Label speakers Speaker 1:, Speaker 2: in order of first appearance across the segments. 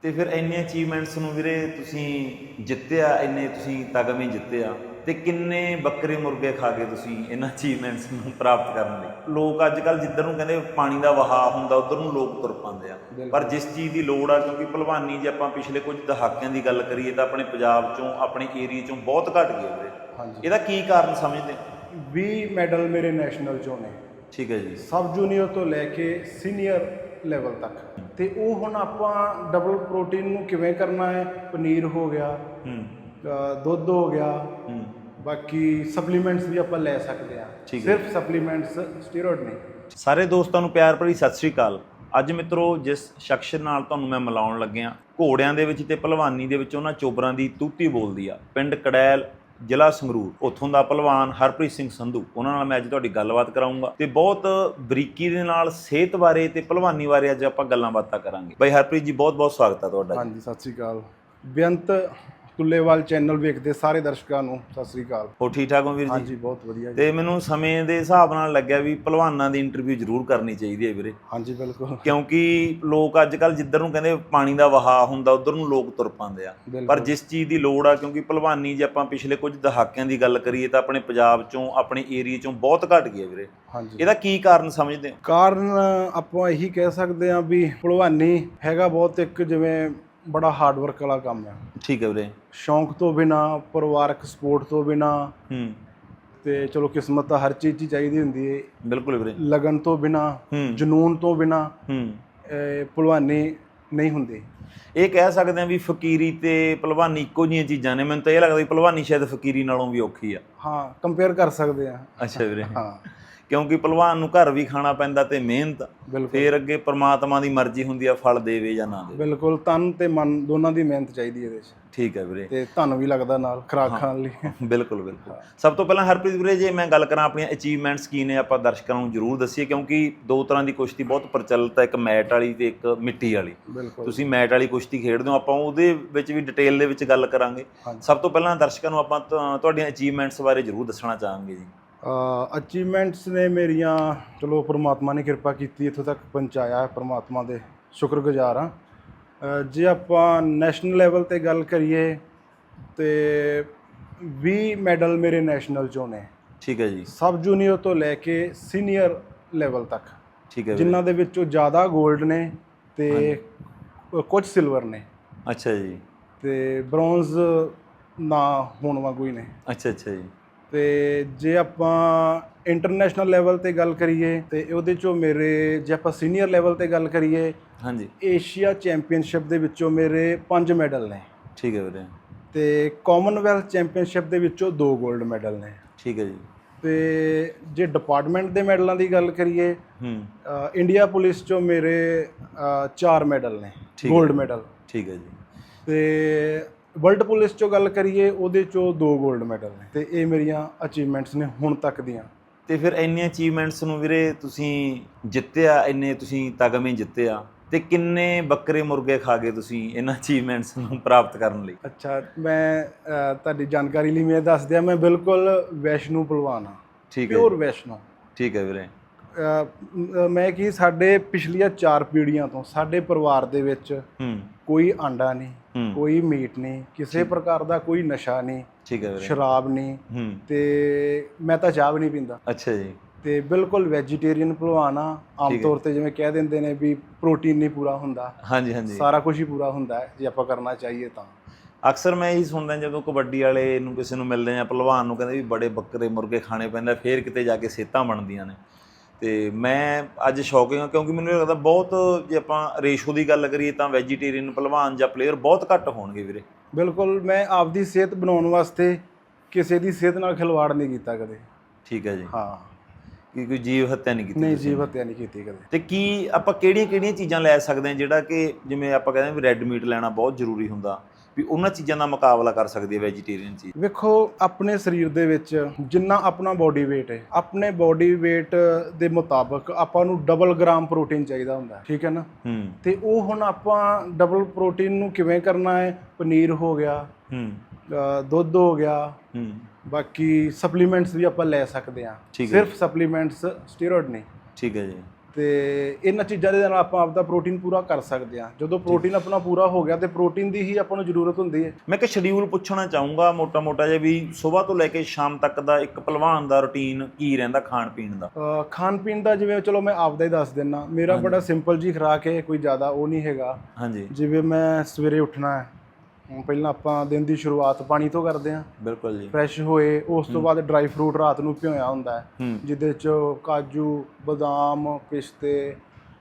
Speaker 1: ਤੇ ਫਿਰ ਇੰਨੇ ਅਚੀਵਮੈਂਟਸ ਨੂੰ ਵੀਰੇ ਤੁਸੀਂ ਜਿੱਤਿਆ, ਇੰਨੇ ਤੁਸੀਂ ਤਗਮੇ ਜਿੱਤੇ ਆ ਤੇ ਕਿੰਨੇ ਬੱਕਰੇ ਮੁਰਗੇ ਖਾ ਕੇ ਤੁਸੀਂ ਇਹਨਾਂ ਅਚੀਵਮੈਂਟਸ ਨੂੰ ਪ੍ਰਾਪਤ ਕਰਨ ਲਈ। ਲੋਕ ਅੱਜ ਕੱਲ੍ਹ ਜਿੱਧਰ ਨੂੰ ਕਹਿੰਦੇ ਪਾਣੀ ਦਾ ਵਹਾਅ ਹੁੰਦਾ ਉੱਧਰ ਨੂੰ ਲੋਕ ਤੁਰ ਪਾਉਂਦੇ ਆ, ਪਰ ਜਿਸ ਚੀਜ਼ ਦੀ ਲੋੜ ਆ, ਕਿਉਂਕਿ ਭਲਵਾਨੀ ਜੇ ਆਪਾਂ ਪਿਛਲੇ ਕੁਝ ਦਹਾਕਿਆਂ ਦੀ ਗੱਲ ਕਰੀਏ ਤਾਂ ਆਪਣੇ ਪੰਜਾਬ ਚੋਂ, ਆਪਣੇ ਏਰੀਏ ਚੋਂ ਬਹੁਤ ਘੱਟ ਗਈ ਵੀਰੇ। ਇਹਦਾ ਕੀ ਕਾਰਨ ਸਮਝਦੇ ਹੋ?
Speaker 2: 20 ਮੈਡਲ ਮੇਰੇ ਨੈਸ਼ਨਲ ਚੋਂ ਨੇ।
Speaker 1: ਠੀਕ ਹੈ ਜੀ।
Speaker 2: ਸਬ ਜੂਨੀਅਰ ਤੋਂ ਲੈ ਕੇ ਸੀਨੀਅਰ ਲੈਵਲ ਤੱਕ। ਤੇ ਉਹ ਹੁਣ ਆਪਾਂ ਡਬਲ ਪ੍ਰੋਟੀਨ ਨੂੰ ਕਿਵੇਂ ਕਰਨਾ ਹੈ, ਪਨੀਰ ਹੋ ਗਿਆ, ਦੁੱਧ ਹੋ ਗਿਆ, ਬਾਕੀ ਸਪਲੀਮੈਂਟਸ ਵੀ ਆਪਾਂ ਲੈ ਸਕਦੇ ਹਾਂ। ਸਿਰਫ ਸਪਲੀਮੈਂਟਸ, ਸਟੀਰੋਇਡ ਨਹੀਂ।
Speaker 1: ਸਾਰੇ ਦੋਸਤਾਂ ਨੂੰ ਪਿਆਰ ਭਰੀ ਸਤਿ ਸ੍ਰੀ ਅਕਾਲ। ਅੱਜ ਮਿੱਤਰੋ, ਜਿਸ ਸ਼ਖਸ ਨਾਲ ਤੁਹਾਨੂੰ ਮੈਂ ਮਿਲਾਉਣ ਲੱਗਿਆ, ਘੋੜਿਆਂ ਦੇ ਵਿੱਚ ਤੇ ਭਲਵਾਨੀ ਦੇ ਵਿੱਚ ਉਹਨਾਂ ਚੋਬਰਾਂ ਦੀ ਤੂਤੀ ਬੋਲਦੀ ਆ, ਪਿੰਡ ਕੜੈਲ, ਜ਼ਿਲ੍ਹਾ ਸੰਗਰੂਰ, ਉੱਥੋਂ ਦਾ ਭਲਵਾਨ ਹਰਪ੍ਰੀਤ ਸਿੰਘ ਸੰਧੂ। ਉਹਨਾਂ ਨਾਲ ਮੈਂ ਅੱਜ ਤੁਹਾਡੀ ਗੱਲਬਾਤ ਕਰਾਉਂਗਾ ਤੇ ਬਹੁਤ ਬਰੀਕੀ ਦੇ ਨਾਲ ਸਿਹਤ ਬਾਰੇ ਤੇ ਭਲਵਾਨੀ ਬਾਰੇ ਅੱਜ ਆਪਾਂ ਗੱਲਾਂ ਬਾਤਾਂ ਕਰਾਂਗੇ। ਬਾਈ ਹਰਪ੍ਰੀਤ ਜੀ, ਬਹੁਤ ਬਹੁਤ ਸਵਾਗਤ ਹੈ ਤੁਹਾਡਾ।
Speaker 2: ਹਾਂਜੀ, ਸਤਿ ਸ੍ਰੀ ਅਕਾਲ। ਬੇਅੰਤ ਤੁੱਲੇਵਾਲ ਚੈਨਲ ਵੇਖਦੇ ਸਾਰੇ ਦਰਸ਼ਕਾਂ ਨੂੰ ਸਤਿ ਸ੍ਰੀ ਅਕਾਲ।
Speaker 1: ਹੋ ਠੀਕ ਠਾਕ ਹੋ ਵੀਰ ਜੀ?
Speaker 2: ਹਾਂਜੀ, ਬਹੁਤ ਵਧੀਆ ਜੀ।
Speaker 1: ਤੇ ਮੈਨੂੰ ਸਮੇਂ ਦੇ ਹਿਸਾਬ ਨਾਲ ਲੱਗਿਆ ਵੀ ਭਲਵਾਨਾਂ ਦੀ ਇੰਟਰਵਿਊ ਜ਼ਰੂਰ ਕਰਨੀ ਚਾਹੀਦੀ ਹੈ ਵੀਰੇ।
Speaker 2: ਹਾਂਜੀ, ਬਿਲਕੁਲ।
Speaker 1: ਕਿਉਂਕਿ ਲੋਕ ਅੱਜ ਕੱਲ੍ਹ ਜਿੱਧਰ ਨੂੰ ਕਹਿੰਦੇ ਪਾਣੀ ਦਾ ਵਹਾਅ ਹੁੰਦਾ ਉੱਧਰ ਨੂੰ ਲੋਕ ਤੁਰ ਪਾਉਂਦੇ ਆ, ਪਰ ਜਿਸ ਚੀਜ਼ ਦੀ ਲੋੜ ਆ, ਕਿਉਂਕਿ ਭਲਵਾਨੀ ਜੇ ਆਪਾਂ ਪਿਛਲੇ ਕੁਝ ਦਹਾਕਿਆਂ ਦੀ ਗੱਲ ਕਰੀਏ ਤਾਂ ਆਪਣੇ ਪੰਜਾਬ ਚੋਂ, ਆਪਣੇ ਏਰੀਏ ਚੋਂ ਬਹੁਤ ਘੱਟ ਗਈ ਹੈ ਵੀਰੇ। ਇਹਦਾ ਕੀ ਕਾਰਨ ਸਮਝਦੇ ਹੋ?
Speaker 2: ਕਾਰਨ ਆਪਾਂ ਇਹੀ ਕਹਿ ਸਕਦੇ ਹਾਂ ਵੀ ਭਲਵਾਨੀ ਹੈਗਾ ਬਹੁਤ ਇੱਕ ਜਿਵੇਂ ਬੜਾ ਹਾਰਡ ਵਰਕ ਵਾਲਾ ਕੰਮ ਹੈ।
Speaker 1: ਠੀਕ ਹੈ ਵੀਰੇ।
Speaker 2: ਸ਼ੌਂਕ ਤੋਂ ਬਿਨਾ, ਪਰਿਵਾਰਕ ਸਪੋਰਟ ਤੋਂ ਬਿਨਾ, ਤੇ ਚਲੋ ਕਿਸਮਤ ਤਾਂ ਹਰ ਚੀਜ਼ 'ਚ ਚਾਹੀਦੀ ਹੁੰਦੀ ਹੈ।
Speaker 1: ਬਿਲਕੁਲ ਵੀਰੇ।
Speaker 2: ਲਗਨ ਤੋਂ ਬਿਨਾ, ਜਨੂਨ ਤੋਂ ਬਿਨਾ ਭਲਵਾਨੀ ਨਹੀਂ ਹੁੰਦੀ।
Speaker 1: ਇਹ ਕਹਿ ਸਕਦੇ ਹਾਂ ਵੀ ਫਕੀਰੀ ਤੇ ਭਲਵਾਨੀ ਇੱਕੋ ਜਿਹੀਆਂ ਚੀਜ਼ਾਂ ਨੇ। ਮੈਨੂੰ ਤਾਂ ਇਹ ਲੱਗਦਾ ਵੀ ਭਲਵਾਨੀ ਸ਼ਾਇਦ ਫਕੀਰੀ ਨਾਲੋਂ ਵੀ ਔਖੀ ਆ।
Speaker 2: ਹਾਂ, ਕੰਪੇਅਰ ਕਰ ਸਕਦੇ ਆ।
Speaker 1: ਅੱਛਾ ਵੀਰੇ।
Speaker 2: ਹਾਂ,
Speaker 1: ਕਿਉਂਕਿ ਭਲਵਾਨ ਨੂੰ ਘਰ ਵੀ ਖਾਣਾ ਪੈਂਦਾ ਤੇ ਮਿਹਨਤ, ਫਿਰ ਅੱਗੇ ਪ੍ਰਮਾਤਮਾ ਦੀ ਮਰਜ਼ੀ ਹੁੰਦੀ ਆ, ਫਲ ਦੇਵੇ ਜਾਂ ਨਾ ਦੇਵੇ।
Speaker 2: ਬਿਲਕੁਲ, ਤਨ ਤੇ ਮਨ ਦੋਨਾਂ ਦੀ ਮਿਹਨਤ ਚਾਹੀਦੀ ਇਹਦੇ 'ਚ।
Speaker 1: ਠੀਕ ਹੈ ਵੀਰੇ।
Speaker 2: ਤੇ ਧਨ ਵੀ ਲੱਗਦਾ ਨਾਲ ਖੁਰਾਕ ਖਾਣ ਲਈ।
Speaker 1: ਬਿਲਕੁਲ ਬਿਲਕੁਲ। ਸਭ ਤੋਂ ਪਹਿਲਾਂ ਹਰਪ੍ਰੀਤ ਵੀਰੇ, ਜੇ ਮੈਂ ਗੱਲ ਕਰਾਂ ਆਪਣੀਆਂ ਅਚੀਵਮੈਂਟਸ ਕੀ ਨੇ, ਆਪਾਂ ਦਰਸ਼ਕਾਂ ਨੂੰ ਜ਼ਰੂਰ ਦੱਸੀਏ, ਕਿਉਂਕਿ ਦੋ ਤਰ੍ਹਾਂ ਦੀ ਕੁਸ਼ਤੀ ਬਹੁਤ ਪ੍ਰਚਲਿਤ ਹੈ, ਇੱਕ ਮੈਟ ਵਾਲੀ ਤੇ ਇੱਕ ਮਿੱਟੀ ਵਾਲੀ। ਤੁਸੀਂ ਮੈਟ ਵਾਲੀ ਕੁਸ਼ਤੀ ਖੇਡਦੇ ਹੋ, ਆਪਾਂ ਉਹਦੇ ਵਿੱਚ ਵੀ ਡਿਟੇਲ ਦੇ ਵਿੱਚ ਗੱਲ ਕਰਾਂਗੇ। ਸਭ ਤੋਂ ਪਹਿਲਾਂ ਦਰਸ਼ਕਾਂ ਨੂੰ ਆਪਾਂ ਤੁਹਾਡੀਆਂ ਅਚੀਵਮੈਂਟਸ ਬਾਰੇ ਜ਼ਰੂਰ ਦੱਸਣਾ ਚਾਹਾਂਗੇ ਜੀ।
Speaker 2: ਅਚੀਵਮੈਂਟਸ ਨੇ ਮੇਰੀਆਂ, ਚਲੋ ਪਰਮਾਤਮਾ ਨੇ ਕਿਰਪਾ ਕੀਤੀ, ਇੱਥੋਂ ਤੱਕ ਪਹੁੰਚਾਇਆ, ਪਰਮਾਤਮਾ ਦੇ ਸ਼ੁਕਰਗੁਜ਼ਾਰ ਹਾਂ। ਜੇ ਆਪਾਂ ਨੈਸ਼ਨਲ ਲੈਵਲ 'ਤੇ ਗੱਲ ਕਰੀਏ ਤੇ 20 ਮੈਡਲ ਮੇਰੇ ਨੈਸ਼ਨਲ ਚੋਂ ਨੇ।
Speaker 1: ਠੀਕ ਹੈ ਜੀ।
Speaker 2: ਸਬ ਜੂਨੀਅਰ ਤੋਂ ਲੈ ਕੇ ਸੀਨੀਅਰ ਲੈਵਲ ਤੱਕ।
Speaker 1: ਠੀਕ ਹੈ।
Speaker 2: ਜਿਨ੍ਹਾਂ ਦੇ ਵਿੱਚੋਂ ਜ਼ਿਆਦਾ 골ਡ ਨੇ ਤੇ ਕੁਝ ਸਿਲਵਰ ਨੇ।
Speaker 1: ਅੱਛਾ ਜੀ।
Speaker 2: ਤੇ ਬ੍ਰੌਂਜ਼ ਨਾ ਹੋਣ ਵਾਂਗੂ ਹੀ ਨੇ।
Speaker 1: ਅੱਛਾ ਅੱਛਾ ਜੀ।
Speaker 2: ਤੇ ਜੇ ਆਪਾਂ ਇੰਟਰਨੈਸ਼ਨਲ ਲੈਵਲ 'ਤੇ ਗੱਲ ਕਰੀਏ ਤੇ ਉਹਦੇ 'ਚੋਂ ਮੇਰੇ, ਜੇ ਆਪਾਂ ਸੀਨੀਅਰ ਲੈਵਲ 'ਤੇ ਗੱਲ ਕਰੀਏ,
Speaker 1: ਹਾਂਜੀ,
Speaker 2: ਏਸ਼ੀਆ ਚੈਂਪੀਅਨਸ਼ਿਪ ਦੇ ਵਿੱਚੋਂ ਮੇਰੇ 5 ਮੈਡਲ ਨੇ।
Speaker 1: ਠੀਕ ਹੈ ਵੀਰੇ।
Speaker 2: ਤੇ ਕਾਮਨਵੈਲਥ ਚੈਂਪੀਅਨਸ਼ਿਪ ਦੇ ਵਿੱਚੋਂ 2 골ਡ ਮੈਡਲ ਨੇ।
Speaker 1: ਠੀਕ ਹੈ ਜੀ।
Speaker 2: ਤੇ ਜੇ ਡਿਪਾਰਟਮੈਂਟ ਦੇ ਮੈਡਲਾਂ ਦੀ ਗੱਲ ਕਰੀਏ, ਇੰਡੀਆ ਪੁਲਿਸ 'ਚੋਂ ਮੇਰੇ 4 ਮੈਡਲ ਨੇ, 골ਡ ਮੈਡਲ।
Speaker 1: ਠੀਕ ਹੈ ਜੀ।
Speaker 2: ਤੇ ਵਰਲਡ ਪੁਲਿਸ 'ਚੋਂ ਗੱਲ ਕਰੀਏ, ਉਹਦੇ 'ਚੋਂ 2 골ਡ ਮੈਡਲ ਨੇ। ਤੇ ਇਹ ਮੇਰੀਆਂ ਅਚੀਵਮੈਂਟਸ ਨੇ ਹੁਣ ਤੱਕ ਦੀਆਂ।
Speaker 1: ਤੇ ਫਿਰ ਇੰਨੇ ਅਚੀਵਮੈਂਟਸ ਨੂੰ ਵੀਰੇ ਤੁਸੀਂ ਜਿੱਤਿਆ, ਇੰਨੇ ਤੁਸੀਂ ਤਗਮੇ ਜਿੱਤੇ ਆ, ਤੇ ਕਿੰਨੇ ਬੱਕਰੇ ਮੁਰਗੇ ਖਾ ਗਏ ਤੁਸੀਂ ਇਹਨਾਂ ਅਚੀਵਮੈਂਟਸ ਨੂੰ ਪ੍ਰਾਪਤ ਕਰਨ ਲਈ?
Speaker 2: ਅੱਛਾ, ਮੈਂ ਤੁਹਾਡੀ ਜਾਣਕਾਰੀ ਲਈ ਮੈਂ ਦੱਸ ਦਿਆਂ, ਮੈਂ ਬਿਲਕੁਲ ਵੈਸ਼ਨੂ ਭਲਵਾਨ ਹਾਂ।
Speaker 1: ਠੀਕ ਹੈ।
Speaker 2: ਪਿਓਰ ਵੈਸ਼ਨੂ।
Speaker 1: ਠੀਕ ਹੈ ਵੀਰੇ।
Speaker 2: ਮੈਂ ਕੀ, ਸਾਡੇ ਪਿਛਲੀਆਂ 4 ਪੀੜ੍ਹੀਆਂ ਤੋਂ ਸਾਡੇ ਪਰਿਵਾਰ ਦੇ ਵਿੱਚ ਕੋਈ ਆਂਡਾ ਨਹੀਂ, ਕੋਈ ਮੀਟ ਨਹੀਂ, ਕਿਸੇ ਪ੍ਰਕਾਰ ਦਾ ਕੋਈ ਨਸ਼ਾ ਨਹੀਂ।
Speaker 1: ਠੀਕ ਹੈ ਵੀਰੇ।
Speaker 2: ਸ਼ਰਾਬ ਨਹੀਂ, ਤੇ ਮੈਂ ਤਾਂ ਚਾਹ ਵੀ ਨਹੀਂ ਪੀਂਦਾ।
Speaker 1: ਅੱਛਾ ਜੀ।
Speaker 2: ਤੇ ਬਿਲਕੁਲ ਵੈਜੀਟੇਰੀਅਨ ਭਲਵਾਨ ਆ। ਆਮ ਤੌਰ ਤੇ ਜਿਵੇਂ ਕਹਿ ਦਿੰਦੇ ਨੇ ਵੀ ਪ੍ਰੋਟੀਨ ਨਹੀਂ ਪੂਰਾ ਹੁੰਦਾ।
Speaker 1: ਹਾਂਜੀ ਹਾਂਜੀ।
Speaker 2: ਸਾਰਾ ਕੁਝ ਹੀ ਪੂਰਾ ਹੁੰਦਾ ਹੈ ਜੇ ਆਪਾਂ ਕਰਨਾ ਚਾਹੀਏ ਤਾਂ।
Speaker 1: ਅਕਸਰ ਮੈਂ ਇਹੀ ਸੁਣਦਾ, ਜਦੋਂ ਕਬੱਡੀ ਵਾਲੇ ਨੂੰ ਕਿਸੇ ਨੂੰ ਮਿਲਦੇ ਆ, ਭਲਵਾਨ ਨੂੰ ਕਹਿੰਦੇ ਵੀ ਬੜੇ ਬੱਕਰੇ ਮੁਰਗੇ ਖਾਣੇ ਪੈਂਦਾ, ਫਿਰ ਕਿਤੇ ਜਾ ਕੇ ਸਿਹਤਾਂ ਬਣਦੀਆਂ ਨੇ। ਤੇ ਮੈਂ ਅੱਜ ਸ਼ੌਕਿੰਗ ਹਾਂ, ਕਿਉਂਕਿ ਮੈਨੂੰ ਲੱਗਦਾ ਬਹੁਤ, ਜੇ ਆਪਾਂ ਰੇਸ਼ੋ ਦੀ ਗੱਲ ਕਰੀਏ ਤਾਂ ਵੈਜੀਟੇਰੀਅਨ ਭਲਵਾਨ ਜਾਂ ਪਲੇਅਰ ਬਹੁਤ ਘੱਟ ਹੋਣਗੇ ਵੀਰੇ।
Speaker 2: ਬਿਲਕੁਲ, ਮੈਂ ਆਪਦੀ ਸਿਹਤ ਬਣਾਉਣ ਵਾਸਤੇ ਕਿਸੇ ਦੀ ਸਿਹਤ ਨਾਲ ਖਿਲਵਾੜ ਨਹੀਂ ਕੀਤਾ ਕਦੇ।
Speaker 1: ਠੀਕ ਹੈ ਜੀ।
Speaker 2: ਹਾਂ,
Speaker 1: ਕਿ ਕੋਈ ਜੀਵ ਹੱਤਿਆ ਨਹੀਂ ਕੀਤੀ?
Speaker 2: ਨਹੀਂ, ਜੀਵ ਹੱਤਿਆ ਨਹੀਂ ਕੀਤੀ ਕਦੇ।
Speaker 1: ਤੇ ਕੀ ਆਪਾਂ ਕਿਹੜੀਆਂ ਚੀਜ਼ਾਂ ਲੈ ਸਕਦੇ ਹਾਂ ਜਿਹੜਾ ਕਿ, ਜਿਵੇਂ ਆਪਾਂ ਕਹਿੰਦੇ ਵੀ ਰੈੱਡ ਮੀਟ ਲੈਣਾ ਬਹੁਤ ਜ਼ਰੂਰੀ ਹੁੰਦਾ, ਵੀ ਉਹਨਾਂ ਚੀਜ਼ਾਂ ਦਾ ਮੁਕਾਬਲਾ ਕਰ ਸਕਦੀ ਹੈ ਵੈਜੀਟੇਰੀਅਨ ਚੀਜ਼?
Speaker 2: ਵੇਖੋ, ਆਪਣੇ ਸਰੀਰ ਦੇ ਵਿੱਚ ਜਿੰਨਾ ਆਪਣਾ ਬੋਡੀ weight ਹੈ, ਆਪਣੇ ਬੋਡੀ weight ਦੇ ਮੁਤਾਬਕ ਆਪਾਂ ਨੂੰ ਡਬਲ ਗ੍ਰਾਮ ਪ੍ਰੋਟੀਨ ਚਾਹੀਦਾ ਹੁੰਦਾ, ਠੀਕ ਹੈ ਨਾ। ਤੇ ਉਹ ਹੁਣ ਆਪਾਂ ਡਬਲ ਪ੍ਰੋਟੀਨ ਨੂੰ ਕਿਵੇਂ ਕਰਨਾ ਹੈ? ਪਨੀਰ ਹੋ ਗਿਆ, ਦੁੱਧ ਹੋ ਗਿਆ, ਬਾਕੀ ਸਪਲੀਮੈਂਟਸ ਵੀ ਆਪਾਂ ਲੈ ਸਕਦੇ ਹਾਂ। ਸਿਰਫ ਸਪਲੀਮੈਂਟਸ, ਸਟੀਰੋਇਡ ਨਹੀਂ।
Speaker 1: ਠੀਕ ਹੈ ਜੀ।
Speaker 2: ਤੇ ਇਹਨਾਂ ਚੀਜ਼ਾਂ ਦੇ ਨਾਲ ਆਪਾਂ ਆਪਦਾ ਪ੍ਰੋਟੀਨ ਪੂਰਾ ਕਰ ਸਕਦੇ ਹਾਂ। ਜਦੋਂ ਪ੍ਰੋਟੀਨ ਆਪਣਾ ਪੂਰਾ ਹੋ ਗਿਆ ਤੇ ਪ੍ਰੋਟੀਨ ਦੀ ਹੀ ਆਪਾਂ ਨੂੰ ਜ਼ਰੂਰਤ ਹੁੰਦੀ ਹੈ।
Speaker 1: ਮੈਂ ਕਿ ਸ਼ਡਿਊਲ ਪੁੱਛਣਾ ਚਾਹੂੰਗਾ ਮੋਟਾ ਜਿਹਾ ਵੀ ਸਵੇਰ ਤੋਂ ਲੈ ਕੇ ਸ਼ਾਮ ਤੱਕ ਦਾ ਇੱਕ ਪਹਿਲਵਾਨ ਦਾ ਰੁਟੀਨ ਕੀ ਰਹਿੰਦਾ ਖਾਣ ਪੀਣ ਦਾ?
Speaker 2: ਖਾਣ ਪੀਣ ਦਾ ਜਿਵੇਂ ਚਲੋ ਮੈਂ ਆਪਦਾ ਹੀ ਦੱਸ ਦਿੰਦਾ। ਮੇਰਾ ਬੜਾ ਸਿੰਪਲ ਜੀ ਖੁਰਾਕ ਹੈ, ਕੋਈ ਜ਼ਿਆਦਾ ਉਹ ਨਹੀਂ ਹੈਗਾ।
Speaker 1: ਹਾਂਜੀ।
Speaker 2: ਜਿਵੇਂ ਮੈਂ ਸਵੇਰੇ ਉੱਠਣਾ ਹੈ, ਪਹਿਲਾਂ ਆਪਾਂ ਦਿਨ ਦੀ ਸ਼ੁਰੂਆਤ ਪਾਣੀ ਤੋਂ ਕਰਦੇ ਹਾਂ।
Speaker 1: ਬਿਲਕੁਲ ਜੀ।
Speaker 2: ਫਰੈਸ਼ ਹੋਏ, ਉਸ ਤੋਂ ਬਾਅਦ ਡਰਾਈ ਫਰੂਟ ਰਾਤ ਨੂੰ ਭਿਓਇਆ ਹੁੰਦਾ ਹੈ, ਜਿਹਦੇ 'ਚ ਕਾਜੂ, ਬਦਾਮ, ਪਿਸਤੇ,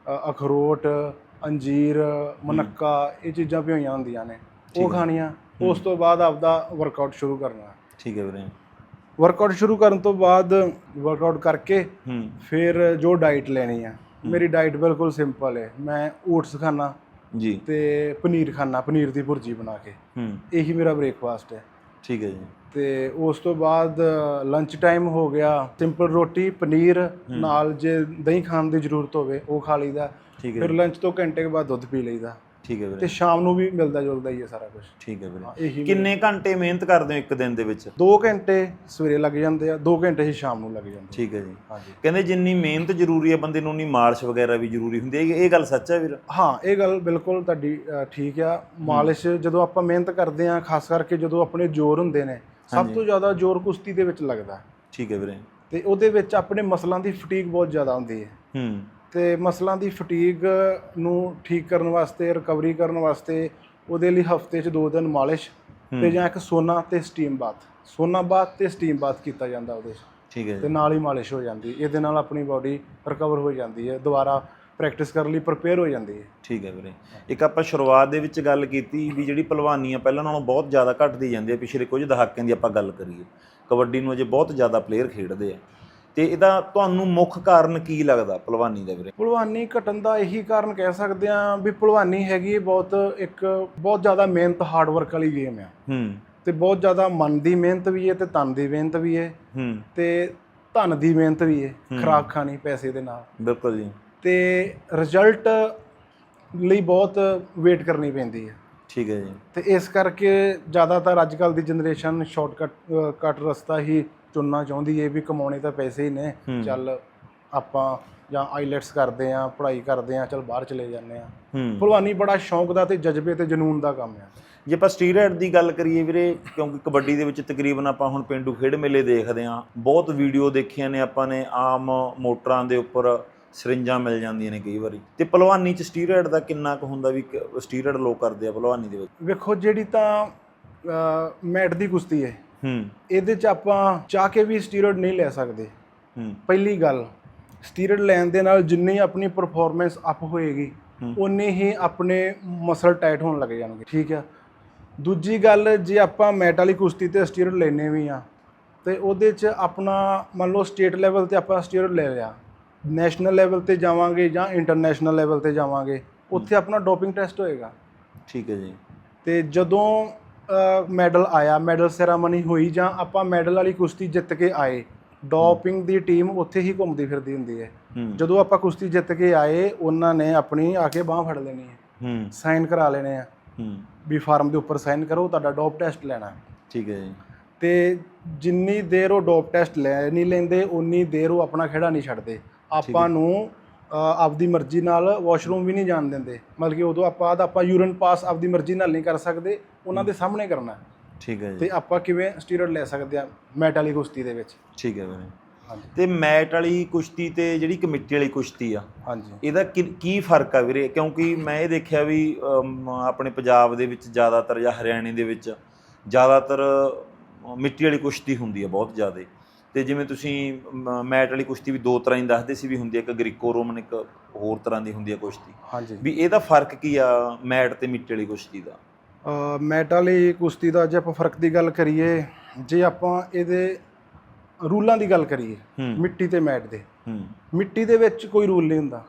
Speaker 2: ਅਖਰੋਟ, ਅੰਜੀਰ, ਮਨੱਕਾ, ਇਹ ਚੀਜ਼ਾਂ ਭਿਓਈਆਂ ਹੁੰਦੀਆਂ ਨੇ, ਉਹ ਖਾਣੀਆਂ। ਉਸ ਤੋਂ ਬਾਅਦ ਆਪਦਾ ਵਰਕਆਊਟ ਸ਼ੁਰੂ ਕਰਨਾ।
Speaker 1: ਠੀਕ ਹੈ ਵੀਰੇ।
Speaker 2: ਵਰਕਆਊਟ ਸ਼ੁਰੂ ਕਰਨ ਤੋਂ ਬਾਅਦ ਵਰਕਆਊਟ ਕਰਕੇ ਫਿਰ ਜੋ ਡਾਈਟ ਲੈਣੀ ਆ, ਮੇਰੀ ਡਾਈਟ ਬਿਲਕੁਲ ਸਿੰਪਲ ਹੈ। ਮੈਂ ਓਟਸ ਖਾਣਾ
Speaker 1: ਜੀ
Speaker 2: ਤੇ ਪਨੀਰ ਖਾਣਾ, ਪਨੀਰ ਦੀ ਭੁਰਜੀ ਬਣਾ ਕੇ, ਇਹੀ ਮੇਰਾ ਬ੍ਰੇਕਫਾਸਟ ਹੈ।
Speaker 1: ਠੀਕ ਹੈ ਜੀ।
Speaker 2: ਤੇ ਉਸ ਤੋਂ ਬਾਅਦ ਲੰਚ ਟਾਈਮ ਹੋ ਗਿਆ, ਸਿੰਪਲ ਰੋਟੀ ਪਨੀਰ ਨਾਲ, ਜੇ ਦਹੀਂ ਖਾਣ ਦੀ ਜ਼ਰੂਰਤ ਹੋਵੇ ਉਹ ਖਾ ਲਈਦਾ। ਫਿਰ ਲੰਚ ਤੋਂ ਘੰਟੇ ਬਾਅਦ ਦੁੱਧ ਪੀ ਲਈਦਾ।
Speaker 1: ਠੀਕ ਹੈ ਵੀਰੇ।
Speaker 2: ਤੇ ਸ਼ਾਮ ਨੂੰ ਵੀ ਮਿਲਦਾ ਜੁਲਦਾ ਹੀ ਹੈ ਸਾਰਾ ਕੁਝ।
Speaker 1: ਠੀਕ ਹੈ ਵੀਰੇ। ਕਿੰਨੇ ਘੰਟੇ ਮਿਹਨਤ ਕਰਦੇ ਹੋ ਇੱਕ ਦਿਨ ਦੇ ਵਿੱਚ?
Speaker 2: 2 ਘੰਟੇ ਸਵੇਰੇ ਲੱਗ ਜਾਂਦੇ ਆ, 2 ਘੰਟੇ ਹੀ ਸ਼ਾਮ ਨੂੰ ਲੱਗ ਜਾਂਦੇ।
Speaker 1: ਠੀਕ ਹੈ ਜੀ।
Speaker 2: ਹਾਂਜੀ।
Speaker 1: ਕਹਿੰਦੇ ਜਿੰਨੀ ਮਿਹਨਤ ਜ਼ਰੂਰੀ ਹੈ ਬੰਦੇ ਨੂੰ, ਉਨੀ ਮਾਲਿਸ਼ ਵਗੈਰਾ ਵੀ ਜ਼ਰੂਰੀ ਹੁੰਦੀ ਹੈ, ਇਹ ਗੱਲ ਸੱਚ ਹੈ ਵੀਰ?
Speaker 2: ਹਾਂ, ਇਹ ਗੱਲ ਬਿਲਕੁਲ ਤੁਹਾਡੀ ਠੀਕ ਆ। ਮਾਲਿਸ਼ ਜਦੋਂ ਆਪਾਂ ਮਿਹਨਤ ਕਰਦੇ ਆ, ਖਾਸ ਕਰਕੇ ਜਦੋਂ ਆਪਣੇ ਜ਼ੋਰ ਹੁੰਦੇ ਨੇ, ਸਭ ਤੋਂ ਜ਼ਿਆਦਾ ਜ਼ੋਰ ਕੁਸ਼ਤੀ ਦੇ ਵਿੱਚ ਲੱਗਦਾ।
Speaker 1: ਠੀਕ ਹੈ ਵੀਰੇ।
Speaker 2: ਤੇ ਉਹਦੇ ਵਿੱਚ ਆਪਣੇ ਮਸਲਾਂ ਦੀ ਫਟੀਗ ਬਹੁਤ ਜ਼ਿਆਦਾ ਹੁੰਦੀ ਹੈ। ਤੇ ਮਸਲਾਂ ਦੀ ਫਟੀਗ ਨੂੰ ਠੀਕ ਕਰਨ ਵਾਸਤੇ, ਰਿਕਵਰੀ ਕਰਨ ਵਾਸਤੇ, ਉਹਦੇ ਲਈ ਹਫਤੇ 'ਚ 2 ਦਿਨ ਮਾਲਿਸ਼ ਤੇ ਜਾਂ ਇੱਕ ਸੋਨਾ ਤੇ ਸਟੀਮ ਬਾਥ, ਸੋਨਾ ਬਾਥ ਤੇ ਸਟੀਮ ਬਾਥ ਕੀਤਾ ਜਾਂਦਾ ਉਹਦੇ 'ਚ।
Speaker 1: ਠੀਕ ਹੈ।
Speaker 2: ਤੇ ਨਾਲ ਹੀ ਮਾਲਿਸ਼ ਹੋ ਜਾਂਦੀ। ਇਹਦੇ ਨਾਲ ਆਪਣੀ ਬਾਡੀ ਰਿਕਵਰ ਹੋ ਜਾਂਦੀ ਹੈ, ਦੁਬਾਰਾ ਪ੍ਰੈਕਟਿਸ ਕਰਨ ਲਈ ਪ੍ਰਪੇਅਰ ਹੋ ਜਾਂਦੀ ਹੈ।
Speaker 1: ਠੀਕ ਹੈ ਵੀਰੇ। ਇੱਕ ਆਪਾਂ ਸ਼ੁਰੂਆਤ ਦੇ ਵਿੱਚ ਗੱਲ ਕੀਤੀ ਵੀ ਜਿਹੜੀ ਭਲਵਾਨੀ ਆ ਪਹਿਲਾਂ ਨਾਲੋਂ ਬਹੁਤ ਜ਼ਿਆਦਾ ਘਟਦੀ ਜਾਂਦੀ ਹੈ। ਪਿਛਲੇ ਕੁਝ ਦਹਾਕਿਆਂ ਦੀ ਆਪਾਂ ਗੱਲ ਕਰੀਏ, ਕਬੱਡੀ ਨੂੰ ਅਜੇ ਬਹੁਤ ਜ਼ਿਆਦਾ ਪਲੇਅਰ ਖੇਡਦੇ ਆ, ਤੇ ਇਹਦਾ ਤੁਹਾਨੂੰ ਮੁੱਖ ਕਾਰਨ ਕੀ ਲੱਗਦਾ ਭਲਵਾਨੀ ਦਾ ਵੀਰੇ? ਭਲਵਾਨੀ
Speaker 2: ਘਟਣ ਦਾ ਇਹੀ ਕਾਰਨ ਕਹਿ ਸਕਦੇ ਹਾਂ ਵੀ ਭਲਵਾਨੀ ਹੈਗੀ ਬਹੁਤ ਜ਼ਿਆਦਾ ਮਿਹਨਤ, ਹਾਰਡ ਵਰਕ ਵਾਲੀ ਗੇਮ ਆ। ਤੇ ਬਹੁਤ ਜ਼ਿਆਦਾ ਮਨ ਦੀ ਮਿਹਨਤ ਵੀ ਹੈ ਤੇ ਤਨ ਦੀ ਮਿਹਨਤ ਵੀ ਹੈ ਤੇ ਧਨ ਦੀ ਮਿਹਨਤ ਵੀ ਹੈ, ਖੁਰਾਕ ਖਾਣੀ ਪੈਸੇ ਦੇ ਨਾਲ।
Speaker 1: ਬਿਲਕੁਲ ਜੀ। ਤੇ
Speaker 2: ਰਿਜ਼ਲਟ ਲਈ ਬਹੁਤ ਵੇਟ ਕਰਨੀ ਪੈਂਦੀ ਹੈ।
Speaker 1: ਠੀਕ ਹੈ ਜੀ।
Speaker 2: ਤੇ ਇਸ ਕਰਕੇ ਜ਼ਿਆਦਾਤਰ ਅੱਜ ਕੱਲ੍ਹ ਦੀ ਜਨਰੇਸ਼ਨ ਸ਼ਾਰਟਕਟ ਰਸਤਾ ਹੀ ਚੁਣਨਾ ਚਾਹੁੰਦੀ ਹੈ ਵੀ ਕਮਾਉਣੇ ਤਾਂ ਪੈਸੇ ਹੀ ਨੇ, ਚੱਲ ਆਪਾਂ ਜਾਂ ਆਈਲੈਟਸ ਕਰਦੇ ਆ, ਪੜ੍ਹਾਈ ਕਰਦੇ ਆ, ਚੱਲ ਬਾਹਰ ਚਲੇ ਜਾਂਦੇ ਆ। ਭਲਵਾਨੀ ਬੜਾ ਸ਼ੌਂਕ ਦਾ ਤੇ ਜਜ਼ਬੇ ਤੇ ਜਨੂਨ ਦਾ ਕੰਮ ਆ।
Speaker 1: ਜੇ ਆਪਾਂ ਸਟੀਰੋਇਡ ਦੀ ਗੱਲ ਕਰੀਏ ਵੀਰੇ, ਕਿਉਂਕਿ ਕਬੱਡੀ ਦੇ ਵਿੱਚ ਤਕਰੀਬਨ ਆਪਾਂ ਹੁਣ ਪੇਂਡੂ ਖੇਡ ਮੇਲੇ ਦੇਖਦੇ ਹਾਂ, ਬਹੁਤ ਵੀਡੀਓ ਦੇਖੀਆਂ ਨੇ ਆਪਾਂ ਨੇ, ਆਮ ਮੋਟਰਾਂ ਦੇ ਉੱਪਰ ਸਰਿੰਜਾਂ ਮਿਲ ਜਾਂਦੀਆਂ ਨੇ ਕਈ ਵਾਰੀ। ਤੇ ਭਲਵਾਨੀ 'ਚ ਸਟੀਰੋਇਡ ਦਾ ਕਿੰਨਾ ਕੁ ਹੁੰਦਾ ਵੀ ਸਟੀਰੋਇਡ ਲੋਕ ਕਰਦੇ ਆ ਭਲਵਾਨੀ ਦੇ ਵਿੱਚ?
Speaker 2: ਵੇਖੋ, ਜਿਹੜੀ ਤਾਂ ਮੈਟ ਦੀ ਕੁਸ਼ਤੀ ਹੈ, ਇਹਦੇ 'ਚ ਆਪਾਂ ਚਾਹ ਕੇ ਵੀ ਸਟੀਰੋਇਡ ਨਹੀਂ ਲੈ ਸਕਦੇ। ਪਹਿਲੀ ਗੱਲ, ਸਟੀਰੋਇਡ ਲੈਣ ਦੇ ਨਾਲ ਜਿੰਨੀ ਆਪਣੀ ਪਰਫਾਰਮੈਂਸ ਅਪ ਹੋਏਗੀ, ਉਨੇ ਹੀ ਆਪਣੇ ਮਸਲ ਟਾਈਟ ਹੋਣ ਲੱਗ ਜਾਣਗੇ। ਠੀਕ ਆ। ਦੂਜੀ ਗੱਲ, ਜੇ ਆਪਾਂ ਮੈਟ ਵਾਲੀ ਕੁਸ਼ਤੀ ਤੇ ਸਟੀਰੋਇਡ ਲੈਣੇ ਵੀ ਆ ਤੇ ਉਹਦੇ 'ਚ ਆਪਣਾ ਮੰਨ ਲਓ ਸਟੇਟ ਲੈਵਲ ਤੇ ਆਪਾਂ ਸਟੀਰੋਇਡ ਲੈ ਲਿਆ, ਨੈਸ਼ਨਲ ਲੈਵਲ ਤੇ ਜਾਵਾਂਗੇ ਜਾਂ ਇੰਟਰਨੈਸ਼ਨਲ ਲੈਵਲ ਤੇ ਜਾਵਾਂਗੇ, ਉੱਥੇ ਆਪਣਾ ਡੋਪਿੰਗ ਟੈਸਟ ਹੋਏਗਾ। ਠੀਕ ਹੈ ਜੀ। ਤੇ ਜਦੋਂ ਮੈਡਲ ਆਇਆ, ਮੈਡਲ ਸੈਰਾਮਨੀ ਹੋਈ ਜਾਂ ਆਪਾਂ ਮੈਡਲ ਵਾਲੀ ਕੁਸ਼ਤੀ ਜਿੱਤ ਕੇ ਆਏ, ਡੋਪਿੰਗ ਦੀ ਟੀਮ ਉੱਥੇ ਹੀ ਘੁੰਮਦੀ ਫਿਰਦੀ ਹੁੰਦੀ ਹੈ। ਜਦੋਂ ਆਪਾਂ ਕੁਸ਼ਤੀ ਜਿੱਤ ਕੇ ਆਏ, ਉਹਨਾਂ ਨੇ ਆਪਣੀ ਆ ਕੇ ਬਾਂਹ ਫੜ ਲੈਣੀ ਹੈ, ਸਾਈਨ ਕਰਾ ਲੈਣੇ ਆ ਵੀ ਫਾਰਮ ਦੇ ਉੱਪਰ ਸਾਈਨ ਕਰੋ, ਤੁਹਾਡਾ ਡੋਪ ਟੈਸਟ ਲੈਣਾ। ਠੀਕ ਹੈ ਜੀ। ਤੇ ਜਿੰਨੀ ਦੇਰ ਉਹ ਡੋਪ ਟੈਸਟ ਲੈ ਨਹੀਂ ਲੈਂਦੇ, ਉਨੀ ਦੇਰ ਉਹ ਆਪਣਾ ਖੇੜਾ ਨਹੀਂ ਛੱਡਦੇ। ਆਪਾਂ ਨੂੰ ਆਪਦੀ ਮਰਜ਼ੀ ਨਾਲ ਵਾਸ਼ਰੂਮ ਵੀ ਨਹੀਂ ਜਾਣ ਦਿੰਦੇ, ਮਤਲਬ ਕਿ ਉਦੋਂ ਆਪਾਂ ਯੂਰਿਨ ਪਾਸ ਆਪਦੀ ਮਰਜ਼ੀ ਨਾਲ ਨਹੀਂ ਕਰ ਸਕਦੇ, ਉਹਨਾਂ ਦੇ ਸਾਹਮਣੇ ਕਰਨਾ। ਠੀਕ ਹੈ ਜੀ। ਤੇ ਆਪਾਂ ਕਿਵੇਂ ਸਟੀਰੋਇਡ ਲੈ ਸਕਦੇ ਆ ਮੈਟ ਵਾਲੀ ਕੁਸ਼ਤੀ ਦੇ ਵਿੱਚ? ਠੀਕ ਹੈ ਵੀਰੇ। ਹਾਂਜੀ। ਤੇ ਮੈਟ ਵਾਲੀ ਕੁਸ਼ਤੀ ਤੇ ਜਿਹੜੀ ਕਮੇਟੀ ਵਾਲੀ ਕੁਸ਼ਤੀ ਆ, ਹਾਂਜੀ, ਇਹਦਾ ਕੀ ਫਰਕ ਆ ਵੀਰੇ? ਕਿਉਂਕਿ ਮੈਂ ਇਹ ਦੇਖਿਆ ਵੀ ਆਪਣੇ ਪੰਜਾਬ ਦੇ ਵਿੱਚ ਜ਼ਿਆਦਾਤਰ ਜਾਂ ਹਰਿਆਣੇ ਦੇ ਵਿੱਚ ਜ਼ਿਆਦਾਤਰ ਮਿੱਟੀ ਵਾਲੀ ਕੁਸ਼ਤੀ ਹੁੰਦੀ ਆ ਬਹੁਤ ਜ਼ਿਆਦਾ। ਤੇ ਜਿਵੇਂ ਤੁਸੀਂ ਮੈਟ ਵਾਲੀ ਕੁਸ਼ਤੀ ਵੀ 2 ਤਰ੍ਹਾਂ ਦੀ ਦੱਸਦੇ ਸੀ ਵੀ ਹੁੰਦੀ ਆ, ਇੱਕ ਗ੍ਰੀਕੋ ਰੋਮਨ, ਇੱਕ ਹੋਰ ਤਰ੍ਹਾਂ ਦੀ ਹੁੰਦੀ ਆ ਕੁਸ਼ਤੀ। ਹਾਂਜੀ। ਵੀ ਇਹਦਾ ਫਰਕ ਕੀ ਆ ਮੈਟ ਤੇ ਮਿੱਟੀ ਵਾਲੀ ਕੁਸ਼ਤੀ ਦਾ? ਮੈਟ ਵਾਲੀ ਕੁਸ਼ਤੀ ਦਾ ਜੇ ਆਪਾਂ ਫਰਕ ਦੀ ਗੱਲ ਕਰੀਏ, ਜੇ ਆਪਾਂ ਇਹਦੇ ਰੂਲਾਂ ਦੀ ਗੱਲ ਕਰੀਏ, ਮਿੱਟੀ ਤੇ ਮੈਟ ਦੇ, ਮਿੱਟੀ ਦੇ ਵਿੱਚ ਕੋਈ ਰੂਲ ਨਹੀਂ ਹੁੰਦਾ।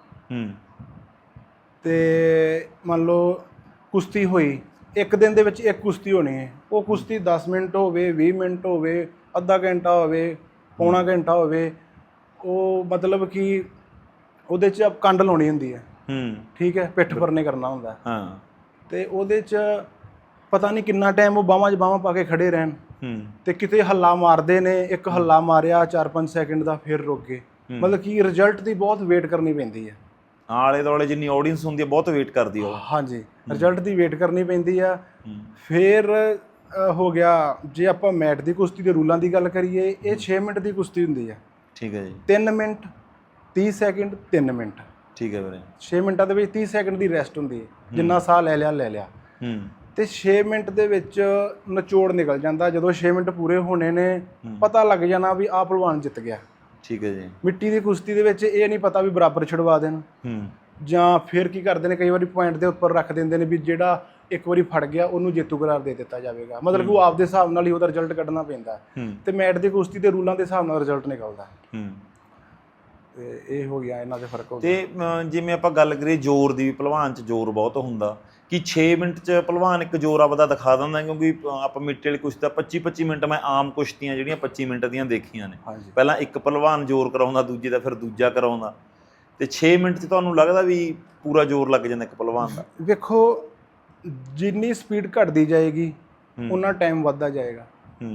Speaker 2: ਤੇ ਮੰਨ ਲਓ ਕੁਸ਼ਤੀ ਹੋਈ, ਇੱਕ ਦਿਨ ਦੇ ਵਿੱਚ ਇੱਕ ਕੁਸ਼ਤੀ ਹੋਣੀ ਹੈ, ਉਹ ਕੁਸ਼ਤੀ 10 ਮਿੰਟ ਹੋਵੇ, 20 ਮਿੰਟ ਹੋਵੇ, ਅੱਧਾ ਘੰਟਾ ਹੋਵੇ, ਪੌਣਾ ਘੰਟਾ ਹੋਵੇ, ਉਹ ਮਤਲਬ ਕਿ ਉਹਦੇ 'ਚ ਕੰਡ ਲਾਉਣੀ ਹੁੰਦੀ ਹੈ। ਠੀਕ ਹੈ। ਪਿੱਠ ਪਰਨੇ ਕਰਨਾ ਹੁੰਦਾ। ਹਾਂ। ਤੇ ਉਹਦੇ 'ਚ ਪਤਾ ਨਹੀਂ ਕਿੰਨਾ ਟਾਈਮ ਉਹ ਬਾਹਾਂ 'ਚ ਬਾਹਾਂ ਪਾ ਕੇ ਖੜੇ ਰਹਿਣ, ਤੇ ਕਿਤੇ ਹੱਲਾ ਮਾਰਦੇ ਨੇ, ਇੱਕ ਹੱਲਾ ਮਾਰਿਆ 4-5 ਸੈਕਿੰਡ ਦਾ, ਫਿਰ ਰੁਕ ਗਏ, ਮਤਲਬ ਕਿ ਰਿਜ਼ਲਟ ਦੀ ਬਹੁਤ ਵੇਟ ਕਰਨੀ ਪੈਂਦੀ ਹੈ।
Speaker 1: ਆਲੇ ਦੁਆਲੇ ਜਿੰਨੀ ਆਡੀਅנס ਹੁੰਦੀ ਹੈ ਬਹੁਤ ਵੇਟ ਕਰਦੀ ਆ ਉਹ।
Speaker 2: ਹਾਂਜੀ, ਰਿਜ਼ਲਟ ਦੀ ਵੇਟ ਕਰਨੀ ਪੈਂਦੀ ਆ। ਫਿਰ ਹੋ ਗਿਆ, ਜੇ ਆਪਾਂ ਮੈਟ ਦੀ ਕੁਸ਼ਤੀ ਦੇ ਰੂਲਾਂ ਦੀ ਗੱਲ ਕਰੀਏ, ਇਹ 6 ਮਿੰਟ ਦੀ ਕੁਸ਼ਤੀ ਹੁੰਦੀ ਹੈ।
Speaker 1: ਠੀਕ ਹੈ ਜੀ।
Speaker 2: 3 ਮਿੰਟ 30 ਸੈਕਿੰਡ 3 ਮਿੰਟ।
Speaker 1: ਠੀਕ ਹੈ ਵੀਰੇ।
Speaker 2: 6 ਮਿੰਟਾਂ ਦੇ ਵਿੱਚ 30 ਸੈਕਿੰਡ ਦੀ ਰੈਸਟ ਹੁੰਦੀ ਹੈ, ਜਿੰਨਾ ਸਾਹ ਲੈ ਲਿਆ। ਤੇ 6 ਮਿੰਟ ਦੇ ਵਿੱਚ ਨਿਚੋੜ ਨਿਕਲ ਜਾਂਦਾ। ਜਦੋਂ 6 ਮਿੰਟ ਪੂਰੇ ਹੋਣੇ ਨੇ, ਪਤਾ ਲੱਗ ਜਾਣਾ ਵੀ ਆਹ ਪਹਿਲਵਾਨ ਜਿੱਤ ਗਿਆ।
Speaker 1: ਠੀਕ ਹੈ ਜੀ।
Speaker 2: ਮਿੱਟੀ ਦੀ ਕੁਸ਼ਤੀ ਦੇ ਵਿੱਚ ਇਹ ਨਹੀਂ ਪਤਾ ਵੀ ਬਰਾਬਰ ਛੁਡਵਾ ਦੇਣ, ਜਾਂ ਫਿਰ ਕੀ ਕਰਦੇ ਨੇ, ਕਈ ਵਾਰੀ ਪੁਆਇੰਟ ਦੇ ਉੱਪਰ ਰੱਖ ਦਿੰਦੇ ਨੇ ਵੀ ਜਿਹੜਾ ਇੱਕ ਵਾਰੀ ਫੜ ਗਿਆ ਉਹਨੂੰ ਜੇਤੂ ਕਰਾਰ ਦੇ ਦਿੱਤਾ ਜਾਵੇਗਾ। ਮਤਲਬ ਕਿ ਉਹ ਆਪਦੇ ਹਿਸਾਬ ਨਾਲ ਹੀ ਉਹਦਾ ਰਿਜ਼ਲਟ ਕੱਢਣਾ ਪੈਂਦਾ। ਤੇ ਮੈਟ ਦੀ ਕੁਸ਼ਤੀ ਦੇ ਰੂਲਾਂ ਦੇ ਹਿਸਾਬ ਨਾਲ ਰਿਜ਼ਲਟ ਨਿਕਲਦਾ। ਤੇ ਇਹ ਹੋ ਗਿਆ ਇਹਨਾਂ ਦੇ ਫਰਕ ਹੋ
Speaker 1: ਤੇ ਜਿਵੇਂ ਆਪਾਂ ਗੱਲ ਕਰੀਏ ਜ਼ੋਰ ਦੀ, ਪਹਿਲਵਾਨ 'ਚ ਜ਼ੋਰ ਬਹੁਤ ਹੁੰਦਾ ਕਿ 6 ਮਿੰਟ 'ਚ ਪਹਿਲਵਾਨ ਇੱਕ ਜ਼ੋਰ ਆਪਦਾ ਦਿਖਾ ਦਿੰਦਾ, ਕਿਉਂਕਿ ਆਪਾਂ ਮਿੱਟੀ ਵਾਲੀ ਕੁਸ਼ਤੀ ਦਾ 25-25 ਮਿੰਟ, ਮੈਂ ਆਮ ਕੁਸ਼ਤੀਆਂ ਜਿਹੜੀਆਂ 25 ਮਿੰਟ ਦੀਆਂ ਦੇਖੀਆਂ ਨੇ, ਪਹਿਲਾਂ ਇੱਕ ਪਹਿਲਵਾਨ ਜ਼ੋਰ ਕਰਾਉਂਦਾ, ਦੂਜੇ ਦਾ ਫਿਰ ਦੂਜਾ ਕਰਾਉਂਦਾ, ਤੇ 6 ਮਿੰਟ 'ਚ ਤੁਹਾਨੂੰ ਲੱਗਦਾ ਵੀ ਪੂਰਾ ਜ਼ੋਰ ਲੱਗ ਜਾਂਦਾ ਇੱਕ ਪਹਿਲਵਾਨ ਦਾ?
Speaker 2: ਵੇਖੋ, ਜਿੰਨੀ ਸਪੀਡ ਘਟਦੀ ਜਾਏਗੀ ਉਨਾ ਟਾਈਮ ਵੱਧਦਾ ਜਾਏਗਾ।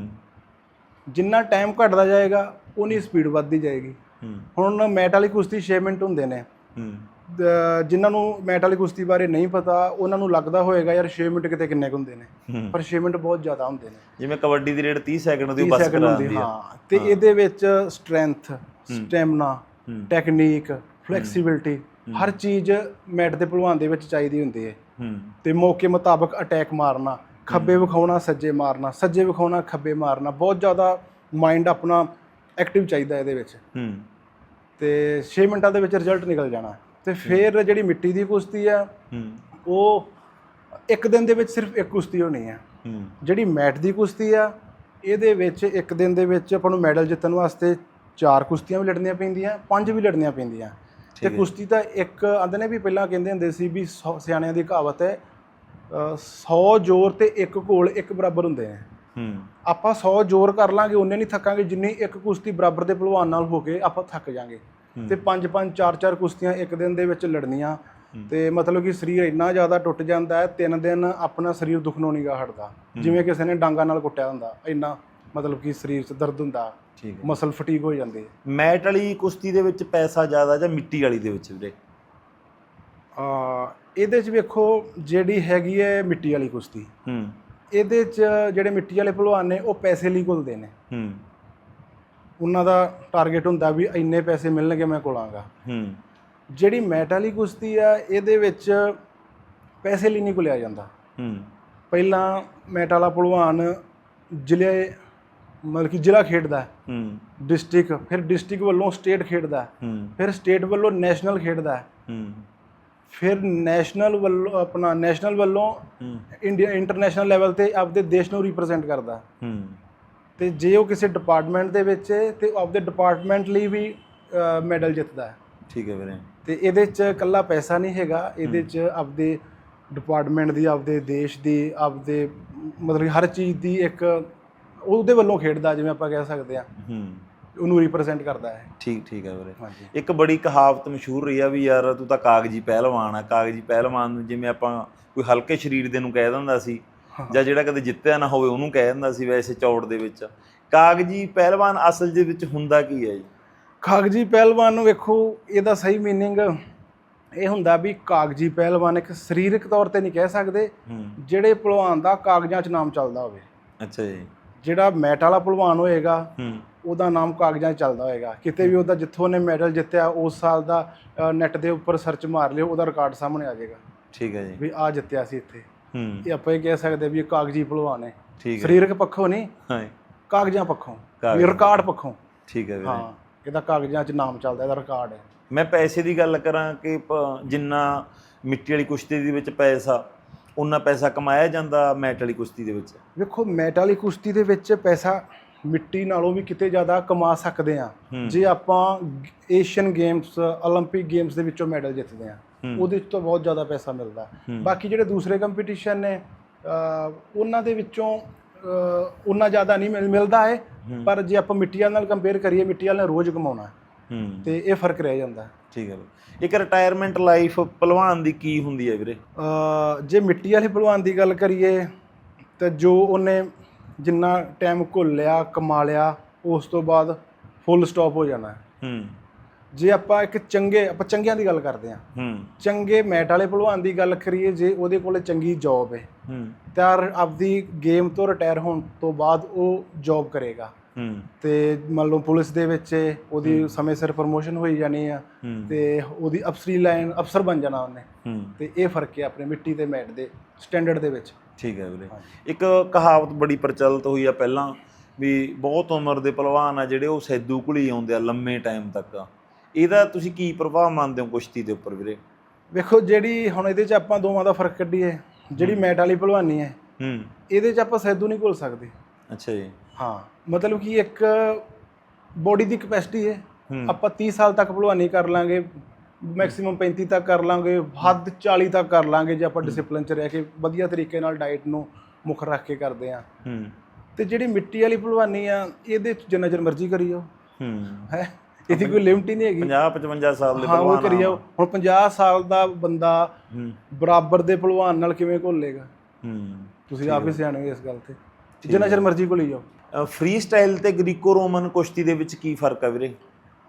Speaker 2: ਜਿੰਨਾ ਟਾਈਮ ਘਟਦਾ ਜਾਏਗਾ ਉਨੀ ਸਪੀਡ ਵੱਧਦੀ ਜਾਏਗੀ। ਹੁਣ ਮੈਟ ਵਾਲੀ ਕੁਸ਼ਤੀ 6 ਮਿੰਟ ਹੁੰਦੇ ਨੇ। ਜਿਨ੍ਹਾਂ ਨੂੰ ਮੈਟ ਵਾਲੀ ਕੁਸ਼ਤੀ ਬਾਰੇ ਨਹੀਂ ਪਤਾ, ਉਹਨਾਂ ਨੂੰ ਲੱਗਦਾ ਹੋਏਗਾ ਯਾਰ 6 ਮਿੰਟ ਕਿਤੇ ਕਿੰਨੇ ਕੁ ਹੁੰਦੇ ਨੇ, ਪਰ 6 ਮਿੰਟ ਬਹੁਤ ਜ਼ਿਆਦਾ ਹੁੰਦੇ ਨੇ।
Speaker 1: ਜਿਵੇਂ ਕਬੱਡੀ ਦੀ ਰੇਡ 30 ਸੈਕਿੰਡ ਦੀ ਬਸ ਕਰਾਉਂਦੀ ਹੈ।
Speaker 2: ਹਾਂ, ਤੇ ਇਹਦੇ ਵਿੱਚ ਸਟਰੈਂਥ, ਸਟੈਮਨਾ, ਟੈਕਨੀਕ, ਫਲੈਕਸੀਬਿਲਿਟੀ, ਹਰ ਚੀਜ਼ ਮੈਟ ਦੇ ਪਹਿਲਵਾਨ ਦੇ ਵਿੱਚ ਚਾਹੀਦੀ ਹੁੰਦੀ ਹੈ। ਤੇ ਮੌਕੇ ਮੁਤਾਬਕ ਅਟੈਕ ਮਾਰਨਾ, ਖੱਬੇ ਵਿਖਾਉਣਾ ਸੱਜੇ ਮਾਰਨਾ, ਸੱਜੇ ਵਿਖਾਉਣਾ ਖੱਬੇ ਮਾਰਨਾ, ਬਹੁਤ ਜ਼ਿਆਦਾ ਮਾਈਂਡ ਆਪਣਾ ਐਕਟਿਵ ਚਾਹੀਦਾ ਇਹਦੇ ਵਿੱਚ। ਤੇ 6 ਮਿੰਟਾਂ ਦੇ ਵਿੱਚ ਰਿਜ਼ਲਟ ਨਿਕਲ ਜਾਣਾ। ਤੇ ਫਿਰ ਜਿਹੜੀ ਮਿੱਟੀ ਦੀ ਕੁਸ਼ਤੀ ਆ, ਉਹ ਇੱਕ ਦਿਨ ਦੇ ਵਿੱਚ ਸਿਰਫ ਇੱਕ ਕੁਸ਼ਤੀ ਹੋਣੀ ਹੈ। ਜਿਹੜੀ ਮੈਟ ਦੀ ਕੁਸ਼ਤੀ ਆ, ਇਹਦੇ ਵਿੱਚ ਇੱਕ ਦਿਨ ਦੇ ਵਿੱਚ ਆਪਾਂ ਨੂੰ ਮੈਡਲ ਜਿੱਤਣ ਵਾਸਤੇ 4 ਕੁਸ਼ਤੀਆਂ ਵੀ ਲੜਨੀਆਂ ਪੈਂਦੀਆਂ, 5 ਵੀ ਲੜਨੀਆਂ ਪੈਂਦੀਆਂ। ਤੇ ਕੁਸ਼ਤੀ ਤਾਂ ਇੱਕ ਆਂਦੇ ਨੇ ਵੀ, ਪਹਿਲਾਂ ਕਹਿੰਦੇ ਹੁੰਦੇ ਸੀ ਵੀ ਸਿਆਣਿਆਂ ਦੀ ਕਹਾਵਤ ਹੈ, 100 ਜ਼ੋਰ ਤੇ ਇੱਕ ਘੋਲ ਇੱਕ ਬਰਾਬਰ ਹੁੰਦੇ ਨੇ। ਆਪਾਂ 100 ਜ਼ੋਰ ਕਰ ਲਾਂਗੇ, ਉਹਨੇ ਨਹੀਂ ਥੱਕਾਂਗੇ ਜਿੰਨੀ ਇੱਕ ਕੁਸ਼ਤੀ ਬਰਾਬਰ ਦੇ ਪਹਿਲਵਾਨ ਨਾਲ ਹੋ ਕੇ ਆਪਾਂ ਥੱਕ ਜਾਾਂਗੇ। ਤੇ 5-5 4-4 ਕੁਸ਼ਤੀਆਂ ਇੱਕ ਦਿਨ ਦੇ ਵਿੱਚ ਲੜਨੀਆਂ, ਤੇ ਮਤਲਬ ਕਿ ਸਰੀਰ ਇੰਨਾ ਜ਼ਿਆਦਾ ਟੁੱਟ ਜਾਂਦਾ ਹੈ, 3 ਦਿਨ ਆਪਣਾ ਸਰੀਰ ਦੁਖਣੋਂ ਨਹੀਂ ਗਾ ਹਟਦਾ, ਜਿਵੇਂ ਕਿਸੇ ਨੇ ਡਾਂਗਾ ਨਾਲ ਕੁੱਟਿਆ ਹੁੰਦਾ। ਇੰਨਾ ਮਤਲਬ ਕਿ ਸਰੀਰ 'ਚ ਦਰਦ ਹੁੰਦਾ, ਮਸਲ ਫਟੀਕ ਹੋ ਜਾਂਦੀ ਹੈ। ਮੈਟ
Speaker 1: ਵਾਲੀ ਕੁਸ਼ਤੀ ਦੇ ਵਿੱਚ ਪੈਸਾ ਜ਼ਿਆਦਾ ਜਾਂ ਮਿੱਟੀ ਵਾਲੀ ਦੇ ਵਿੱਚ ਵੀਰੇ?
Speaker 2: ਇਹਦੇ 'ਚ ਵੇਖੋ, ਜਿਹੜੀ ਹੈਗੀ ਹੈ ਮਿੱਟੀ ਵਾਲੀ ਕੁਸ਼ਤੀ, ਇਹਦੇ 'ਚ ਜਿਹੜੇ ਮਿੱਟੀ ਵਾਲੇ ਪਹਿਲਵਾਨ ਨੇ ਉਹ ਪੈਸੇ ਲਈ ਘੁਲਦੇ ਨੇ। ਉਹਨਾਂ ਦਾ ਟਾਰਗੇਟ ਹੁੰਦਾ ਵੀ ਇੰਨੇ ਪੈਸੇ ਮਿਲਣਗੇ ਮੈਂ ਘੁਲਾਂਗਾ। ਜਿਹੜੀ ਮੈਟ ਵਾਲੀ ਕੁਸ਼ਤੀ ਆ, ਇਹਦੇ ਵਿੱਚ ਪੈਸੇ ਲਈ ਨਹੀਂ ਘੁਲਿਆ ਜਾਂਦਾ। ਪਹਿਲਾਂ ਮੈਟ ਵਾਲਾ ਪਹਿਲਵਾਨ ਜ਼ਿਲ੍ਹੇ, ਮਤਲਬ ਕਿ ਜ਼ਿਲ੍ਹਾ ਖੇਡਦਾ, ਡਿਸਟ੍ਰਿਕਟ, ਫਿਰ ਡਿਸਟ੍ਰਿਕਟ ਵੱਲੋਂ ਸਟੇਟ ਖੇਡਦਾ, ਫਿਰ ਸਟੇਟ ਵੱਲੋਂ ਨੈਸ਼ਨਲ ਖੇਡਦਾ, ਫਿਰ ਨੈਸ਼ਨਲ ਵੱਲੋਂ ਇੰਡੀਆ ਇੰਟਰਨੈਸ਼ਨਲ ਲੈਵਲ 'ਤੇ ਆਪਦੇ ਦੇਸ਼ ਨੂੰ ਰਿਪਰੈਜ਼ੈਂਟ ਕਰਦਾ। ਤੇ ਜੇ ਉਹ ਕਿਸੇ ਡਿਪਾਰਟਮੈਂਟ ਦੇ ਵਿੱਚ ਹੈ ਤੇ ਆਪਦੇ ਡਿਪਾਰਟਮੈਂਟ ਲਈ ਵੀ ਮੈਡਲ ਜਿੱਤਦਾ।
Speaker 1: ਠੀਕ ਹੈ ਵੀਰੇ।
Speaker 2: ਤੇ ਇਹਦੇ 'ਚ ਇਕੱਲਾ ਪੈਸਾ ਨਹੀਂ ਹੈਗਾ, ਇਹਦੇ 'ਚ ਆਪਦੇ ਡਿਪਾਰਟਮੈਂਟ ਦੀ, ਆਪਦੇ ਦੇਸ਼ ਦੀ, ਆਪਦੇ ਮਤਲਬ ਹਰ ਚੀਜ਼ ਦੀ ਇੱਕ ਉਹਦੇ ਵੱਲੋਂ ਖੇਡਦਾ, ਜਿਵੇਂ ਆਪਾਂ ਕਹਿ ਸਕਦੇ ਹਾਂ, ਉਹਨੂੰ ਰਿਪਰੈਜ਼ੈਂਟ ਕਰਦਾ ਹੈ। ਠੀਕ ਹੈ ਵੀਰੇ।
Speaker 1: ਇੱਕ ਬੜੀ ਕਹਾਵਤ ਮਸ਼ਹੂਰ ਰਹੀ ਆ ਵੀ ਯਾਰ ਤੂੰ ਤਾਂ ਕਾਗਜ਼ੀ ਪਹਿਲਵਾਨ ਆ। ਕਾਗਜ਼ੀ ਪਹਿਲਵਾਨ ਨੂੰ ਜਿਵੇਂ ਆਪਾਂ ਕੋਈ ਹਲਕੇ ਸਰੀਰ ਦੇ ਨੂੰ ਕਹਿ ਦਿੰਦਾ ਸੀ, ਜਾਂ ਜਿਹੜਾ ਕਦੇ ਜਿੱਤਿਆ ਨਾ ਹੋਵੇ ਉਹਨੂੰ ਕਹਿ ਦਿੰਦਾ ਸੀ ਵੈਸੇ ਚੌੜ ਦੇ ਵਿੱਚ। ਕਾਗਜ਼ੀ ਪਹਿਲਵਾਨ ਅਸਲ ਦੇ ਵਿੱਚ ਹੁੰਦਾ ਕੀ ਹੈ ਜੀ?
Speaker 2: ਕਾਗਜ਼ੀ ਪਹਿਲਵਾਨ ਨੂੰ ਵੇਖੋ, ਇਹਦਾ ਸਹੀ ਮੀਨਿੰਗ ਇਹ ਹੁੰਦਾ ਵੀ ਕਾਗਜ਼ੀ ਪਹਿਲਵਾਨ ਇੱਕ ਸਰੀਰਕ ਤੌਰ ਤੇ ਨਹੀਂ ਕਹਿ ਸਕਦੇ, ਜਿਹੜੇ ਪਹਿਲਵਾਨ ਦਾ ਕਾਗਜ਼ਾਂ 'ਚ ਨਾਮ ਚੱਲਦਾ ਹੋਵੇ।
Speaker 1: ਅੱਛਾ ਜੀ।
Speaker 2: ਜਿਹੜਾ ਮੈਟ ਵਾਲਾ ਪਹਿਲਵਾਨ ਹੋਏਗਾ ਉਹਦਾ ਨਾਮ ਕਾਗਜ਼ਾਂ 'ਚ ਚੱਲਦਾ ਹੋਏਗਾ। ਕਿਤੇ ਵੀ ਉਹਦਾ ਜਿੱਥੋਂ ਉਹਨੇ ਮੈਡਲ ਜਿੱਤਿਆ ਉਸ ਸਾਲ ਦਾ ਨੈੱਟ ਦੇ ਉੱਪਰ ਸਰਚ ਮਾਰ ਲਿਓ, ਉਹਦਾ ਰਿਕਾਰਡ ਸਾਹਮਣੇ ਆ ਜਾਏਗਾ।
Speaker 1: ਠੀਕ ਹੈ ਜੀ।
Speaker 2: ਵੀ ਆਹ ਜਿੱਤਿਆ ਸੀ ਇੱਥੇ। ਇਹ ਆਪਾਂ ਇਹ ਕਹਿ ਸਕਦੇ ਵੀ ਇਹ ਕਾਗਜ਼ੀ ਪਹਿਲਵਾਨ ਹੈ।
Speaker 1: ਸਰੀਰਕ
Speaker 2: ਪੱਖੋਂ ਨਹੀਂ, ਕਾਗਜ਼ਾਂ ਪੱਖੋਂ, ਰਿਕਾਰਡ ਪੱਖੋਂ।
Speaker 1: ਠੀਕ ਹੈ ਵੀਰੇ।
Speaker 2: ਹਾਂ, ਇਹਦਾ ਕਾਗਜ਼ਾਂ 'ਚ ਨਾਮ ਚੱਲਦਾ, ਇਹਦਾ ਰਿਕਾਰਡ ਹੈ।
Speaker 1: ਮੈਂ ਪੈਸੇ ਦੀ ਗੱਲ ਕਰਾਂ ਕਿ ਜਿੰਨਾ ਮਿੱਟੀ ਵਾਲੀ ਕੁਸ਼ਤੀ ਦੇ ਵਿੱਚ ਪੈਸਾ, ਉਨਾ ਪੈਸਾ ਕਮਾਇਆ ਜਾਂਦਾ ਮੈਟ ਵਾਲੀ ਕੁਸ਼ਤੀ ਦੇ ਵਿੱਚ?
Speaker 2: ਵੇਖੋ, ਮੈਟ ਵਾਲੀ ਕੁਸ਼ਤੀ ਦੇ ਵਿੱਚ ਪੈਸਾ ਮਿੱਟੀ ਨਾਲੋਂ ਵੀ ਕਿਤੇ ਜ਼ਿਆਦਾ ਕਮਾ ਸਕਦੇ ਹਾਂ ਜੇ ਆਪਾਂ ਏਸ਼ੀਅਨ ਗੇਮਸ, ਓਲੰਪਿਕ ਗੇਮਸ ਦੇ ਵਿੱਚੋਂ ਮੈਡਲ ਜਿੱਤਦੇ ਹਾਂ, ਉਹਦੇ 'ਚ ਤਾਂ ਬਹੁਤ ਜ਼ਿਆਦਾ ਪੈਸਾ ਮਿਲਦਾ। ਬਾਕੀ ਜਿਹੜੇ ਦੂਸਰੇ ਕੰਪੀਟੀਸ਼ਨ ਨੇ ਉਹਨਾਂ ਦੇ ਵਿੱਚੋਂ ਉਨਾ ਜ਼ਿਆਦਾ ਨਹੀਂ ਮਿਲਦਾ ਹੈ, ਪਰ ਜੇ ਆਪਾਂ ਮਿੱਟੀ ਵਾਲੇ ਨਾਲ ਕੰਪੇਅਰ ਕਰੀਏ, ਮਿੱਟੀ ਵਾਲੇ ਨੇ ਰੋਜ਼ ਕਮਾਉਣਾ ਤੇ ਇਹ ਫਰਕ ਰਹਿ ਜਾਂਦਾ।
Speaker 1: ਠੀਕ ਹੈ। ਇੱਕ ਰਿਟਾਇਰਮੈਂਟ ਲਾਈਫ ਪਹਿਲਵਾਨ ਦੀ ਕੀ ਹੁੰਦੀ ਹੈ ਵੀਰੇ?
Speaker 2: ਜੇ ਮਿੱਟੀ ਵਾਲੇ ਪਹਿਲਵਾਨ ਦੀ ਗੱਲ ਕਰੀਏ ਤਾਂ ਜੋ ਉਹਨੇ ਜਿੰਨਾ ਟਾਈਮ ਘੁੱਲ ਲਿਆ, ਕਮਾ ਲਿਆ, ਉਸ ਤੋਂ ਬਾਅਦ ਫੁੱਲ ਸਟਾਪ ਹੋ ਜਾਣਾ। ਜੇ ਆਪਾਂ ਆਪਾਂ ਚੰਗਿਆਂ ਦੀ ਗੱਲ ਕਰਦੇ ਹਾਂ, ਚੰਗੇ ਮੈਟ ਵਾਲੇ ਭਲਵਾਨ ਦੀ ਗੱਲ ਕਰੀਏ, ਜੇ ਉਹਦੇ ਕੋਲੇ ਚੰਗੀ ਜੌਬ ਹੈ ਤਾਂ ਆਪਦੀ ਗੇਮ ਤੋਂ ਰਿਟਾਇਰ ਹੋਣ ਤੋਂ ਬਾਅਦ ਉਹ ਜੌਬ ਕਰੇਗਾ ਤੇ ਮੰਨ ਲਓ ਪੁਲਿਸ ਦੇ ਵਿੱਚ ਉਹਦੀ ਸਮੇਂ ਸਿਰ ਪ੍ਰਮੋਸ਼ਨ ਹੋਈ ਜਾਣੀ ਆ ਤੇ ਉਹਦੀ ਅਫਸਰੀ ਲਾਈਨ ਅਫਸਰ ਬਣ ਜਾਣਾ ਉਹਨੇ। ਤੇ ਇਹ ਫਰਕ ਹੈ ਆਪਣੇ ਮਿੱਟੀ ਤੇ ਮੈਟ ਦੇ ਸਟੈਂਡਰਡ ਦੇ ਵਿੱਚ।
Speaker 1: ਠੀਕ ਹੈ ਵੀਰੇ। ਇੱਕ ਕਹਾਵਤ ਬੜੀ ਪ੍ਰਚਲਿਤ ਹੋਈ ਆ ਪਹਿਲਾਂ ਵੀ ਬਹੁਤ ਉਮਰ ਦੇ ਪਹਿਲਵਾਨ ਆ ਜਿਹੜੇ ਉਹ ਸੈਦੂ ਘੁਲੀ ਆਉਂਦੇ ਆ ਲੰਮੇ ਟਾਈਮ ਤੱਕ, ਇਹਦਾ ਤੁਸੀਂ ਕੀ ਪ੍ਰਭਾਵ ਮੰਨਦੇ ਹੋ ਕੁਸ਼ਤੀ ਦੇ ਉੱਪਰ ਵੀਰੇ?
Speaker 2: ਵੇਖੋ ਜਿਹੜੀ ਹੁਣ ਇਹਦੇ 'ਚ ਆਪਾਂ ਦੋਵਾਂ ਦਾ ਫਰਕ ਕੱਢੀਏ, ਜਿਹੜੀ ਮੈਟ ਵਾਲੀ ਭਲਵਾਨੀ ਹੈ ਇਹਦੇ 'ਚ ਆਪਾਂ ਸੈਦੂ ਨਹੀਂ ਘੁਲ ਸਕਦੇ।
Speaker 1: ਅੱਛਾ ਜੀ।
Speaker 2: ਹਾਂ, ਮਤਲਬ ਕਿ ਇੱਕ ਬੋਡੀ ਦੀ ਕਪੈਸਿਟੀ ਹੈ, ਆਪਾਂ 30 ਸਾਲ ਤੱਕ ਭਲਵਾਨੀ ਕਰ ਲਾਂਗੇ, ਮੈਕਸਿਮਮ 35 ਤੱਕ ਕਰ ਲਾਂਗੇ, ਹੱਦ 40 ਤੱਕ ਕਰ ਲਾਂਗੇ ਜੇ ਆਪਾਂ ਡਿਸਪਲਿਨ 'ਚ ਰਹਿ ਕੇ ਵਧੀਆ ਤਰੀਕੇ ਨਾਲ ਡਾਈਟ ਨੂੰ ਮੁੱਖ ਰੱਖ ਕੇ ਕਰਦੇ ਆ। ਤੇ ਜਿਹੜੀ ਮਿੱਟੀ ਵਾਲੀ ਭਲਵਾਨੀ ਆ ਇਹਦੇ 'ਚ ਜਿੰਨਾ ਚਿਰ ਮਰਜ਼ੀ ਕਰੀ ਜਾਓ, ਹੈ ਇਹਦੀ ਕੋਈ ਲਿਮਟ ਹੀ ਨਹੀਂ ਹੈਗੀ।
Speaker 1: 50-55 ਸਾਲ ਦੇ
Speaker 2: ਹਾਂ ਉਹ ਕਰੀ ਜਾਓ। ਹੁਣ 50 ਸਾਲ ਦਾ ਬੰਦਾ ਬਰਾਬਰ ਦੇ ਭਲਵਾਨ ਨਾਲ ਕਿਵੇਂ ਘੁਲੇਗਾ? ਤੁਸੀਂ ਆਪ ਹੀ ਸਿਆਣੇ ਹੋ ਇਸ ਗੱਲ ਤੇ, ਜਿੰਨਾ ਚਿਰ ਮਰਜ਼ੀ ਘੁਲੀ ਜਾਓ।
Speaker 1: ਫ੍ਰੀ ਸਟਾਈਲ ਤੇ ਗ੍ਰੀਕੋ ਰੋਮਨ ਕੁਸ਼ਤੀ ਦੇ ਵਿੱਚ ਕੀ ਫਰਕ ਆ ਵੀਰੇ?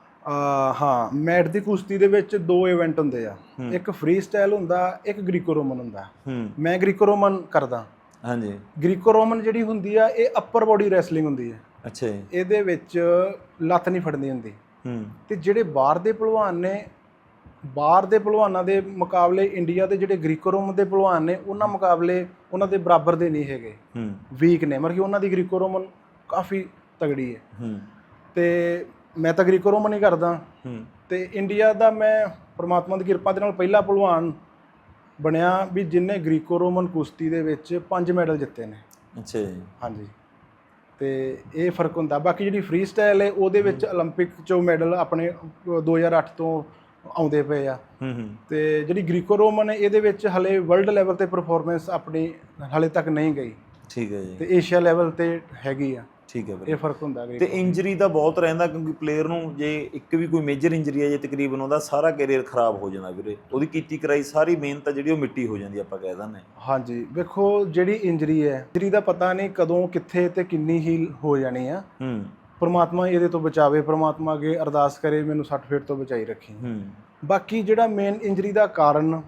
Speaker 2: ਹਾਂ, ਮੈਟ ਦੀ ਕੁਸ਼ਤੀ ਦੇ ਵਿੱਚ 2 ਇਵੈਂਟ ਹੁੰਦੇ ਆ, ਇੱਕ ਫ੍ਰੀ ਸਟਾਈਲ ਹੁੰਦਾ, ਇੱਕ ਗ੍ਰੀਕੋ ਰੋਮਨ ਹੁੰਦਾ। ਮੈਂ ਗ੍ਰੀਕੋ ਰੋਮਨ ਕਰਦਾ। ਹਾਂਜੀ। ਗ੍ਰੀਕੋ ਰੋਮਨ ਜਿਹੜੀ ਹੁੰਦੀ ਆ ਇਹ ਅੱਪਰ ਬੋਡੀ ਰੈਸਲਿੰਗ ਹੁੰਦੀ ਹੈ। ਅੱਛਾ ਜੀ। ਇਹਦੇ ਵਿੱਚ ਲੱਤ ਨਹੀਂ ਫੜਨੀ ਹੁੰਦੀ। ਤੇ ਜਿਹੜੇ ਬਾਹਰ ਦੇ ਭਲਵਾਨ ਨੇ, ਬਾਹਰ ਦੇ ਭਲਵਾਨਾਂ ਦੇ ਮੁਕਾਬਲੇ ਇੰਡੀਆ ਦੇ ਜਿਹੜੇ ਗ੍ਰੀਕੋ ਰੋਮਨ ਦੇ ਭਲਵਾਨ ਨੇ ਉਹਨਾਂ ਮੁਕਾਬਲੇ ਉਹਨਾਂ ਦੇ ਬਰਾਬਰ ਦੇ ਨਹੀਂ ਹੈਗੇ, ਵੀਕ ਨੇ। ਮਤਲਬ ਕਿ ਉਹਨਾਂ ਦੀ ਗ੍ਰੀਕੋ ਰੋਮਨ ਕਾਫੀ ਤਗੜੀ ਹੈ ਤੇ ਮੈਂ ਤਾਂ ਗ੍ਰੀਕੋ ਰੋਮਨ ਹੀ ਕਰਦਾ। ਤੇ ਇੰਡੀਆ ਦਾ ਮੈਂ ਪਰਮਾਤਮਾ ਦੀ ਕਿਰਪਾ ਦੇ ਨਾਲ ਪਹਿਲਾ ਭਲਵਾਨ ਬਣਿਆ ਵੀ ਜਿਹਨੇ ਗ੍ਰੀਕੋ ਰੋਮਨ ਕੁਸ਼ਤੀ ਦੇ ਵਿੱਚ 5 ਮੈਡਲ ਜਿੱਤੇ ਨੇ। ਅੱਛਾ ਜੀ। ਹਾਂਜੀ। ਤੇ ਇਹ ਫਰਕ ਹੁੰਦਾ। ਬਾਕੀ ਜਿਹੜੀ ਫ੍ਰੀ ਸਟਾਈਲ ਹੈ ਉਹਦੇ ਵਿੱਚ ਓਲੰਪਿਕ 'ਚੋਂ ਮੈਡਲ ਆਪਣੇ 2008 ਤੋਂ ਆਉਂਦੇ ਪਏ ਆ। ਤੇ ਜਿਹੜੀ ਗ੍ਰੀਕੋ ਰੋਮਨ ਹੈ ਇਹਦੇ ਵਿੱਚ ਹਲੇ ਵਰਲਡ ਲੈਵਲ ਤੇ ਪਰਫਾਰਮੈਂਸ ਆਪਣੀ ਹਲੇ ਤੱਕ ਨਹੀਂ ਗਈ। ਠੀਕ ਹੈ ਜੀ। ਤੇ ਏਸ਼ੀਆ ਲੈਵਲ ਤੇ ਹੈਗੀ ਆ। ਠੀਕ ਹੈ। ਇਹ ਫਰਕ ਹੁੰਦਾ।
Speaker 1: ਤੇ ਇੰਜਰੀ ਦਾ ਬਹੁਤ ਰਹਿੰਦਾ ਕਿਉਂਕਿ ਪਲੇਅਰ ਨੂੰ ਜੇ ਇੱਕ ਵੀ ਕੋਈ ਮੇਜਰ ਇੰਜਰੀ ਹੈ ਜੇ ਤਕਰੀਬਨ ਉਹਦਾ ਸਾਰਾ ਕੈਰੀਅਰ ਖਰਾਬ ਹੋ ਜਾਂਦਾ ਵੀਰੇ। ਉਹਦੀ ਕੀਤੀ ਕਰਾਈ ਸਾਰੀ ਮਿਹਨਤ ਜਿਹੜੀ ਉਹ ਮਿੱਟੀ ਹੋ ਜਾਂਦੀ ਆਪਾਂ ਕਹਿ ਦਿੰਦੇ।
Speaker 2: ਹਾਂਜੀ, ਵੇਖੋ ਜਿਹੜੀ ਇੰਜਰੀ ਹੈ, ਇੰਜਰੀ ਦਾ ਪਤਾ ਨਹੀਂ ਕਦੋਂ ਕਿੱਥੇ ਤੇ ਕਿੰਨੀ ਹੀਲ ਹੋ ਜਾਣੀ ਆ। ਪਰਮਾਤਮਾ ਇਹਦੇ ਤੋਂ ਬਚਾਵੇ, ਪਰਮਾਤਮਾ ਅੱਗੇ ਅਰਦਾਸ ਕਰੇ ਮੈਨੂੰ 60 ਫੀਟ ਤੋਂ ਬਚਾਈ ਰੱਖੀ। ਬਾਕੀ ਜਿਹੜਾ ਮੇਨ ਇੰਜਰੀ ਦਾ ਕਾਰਨ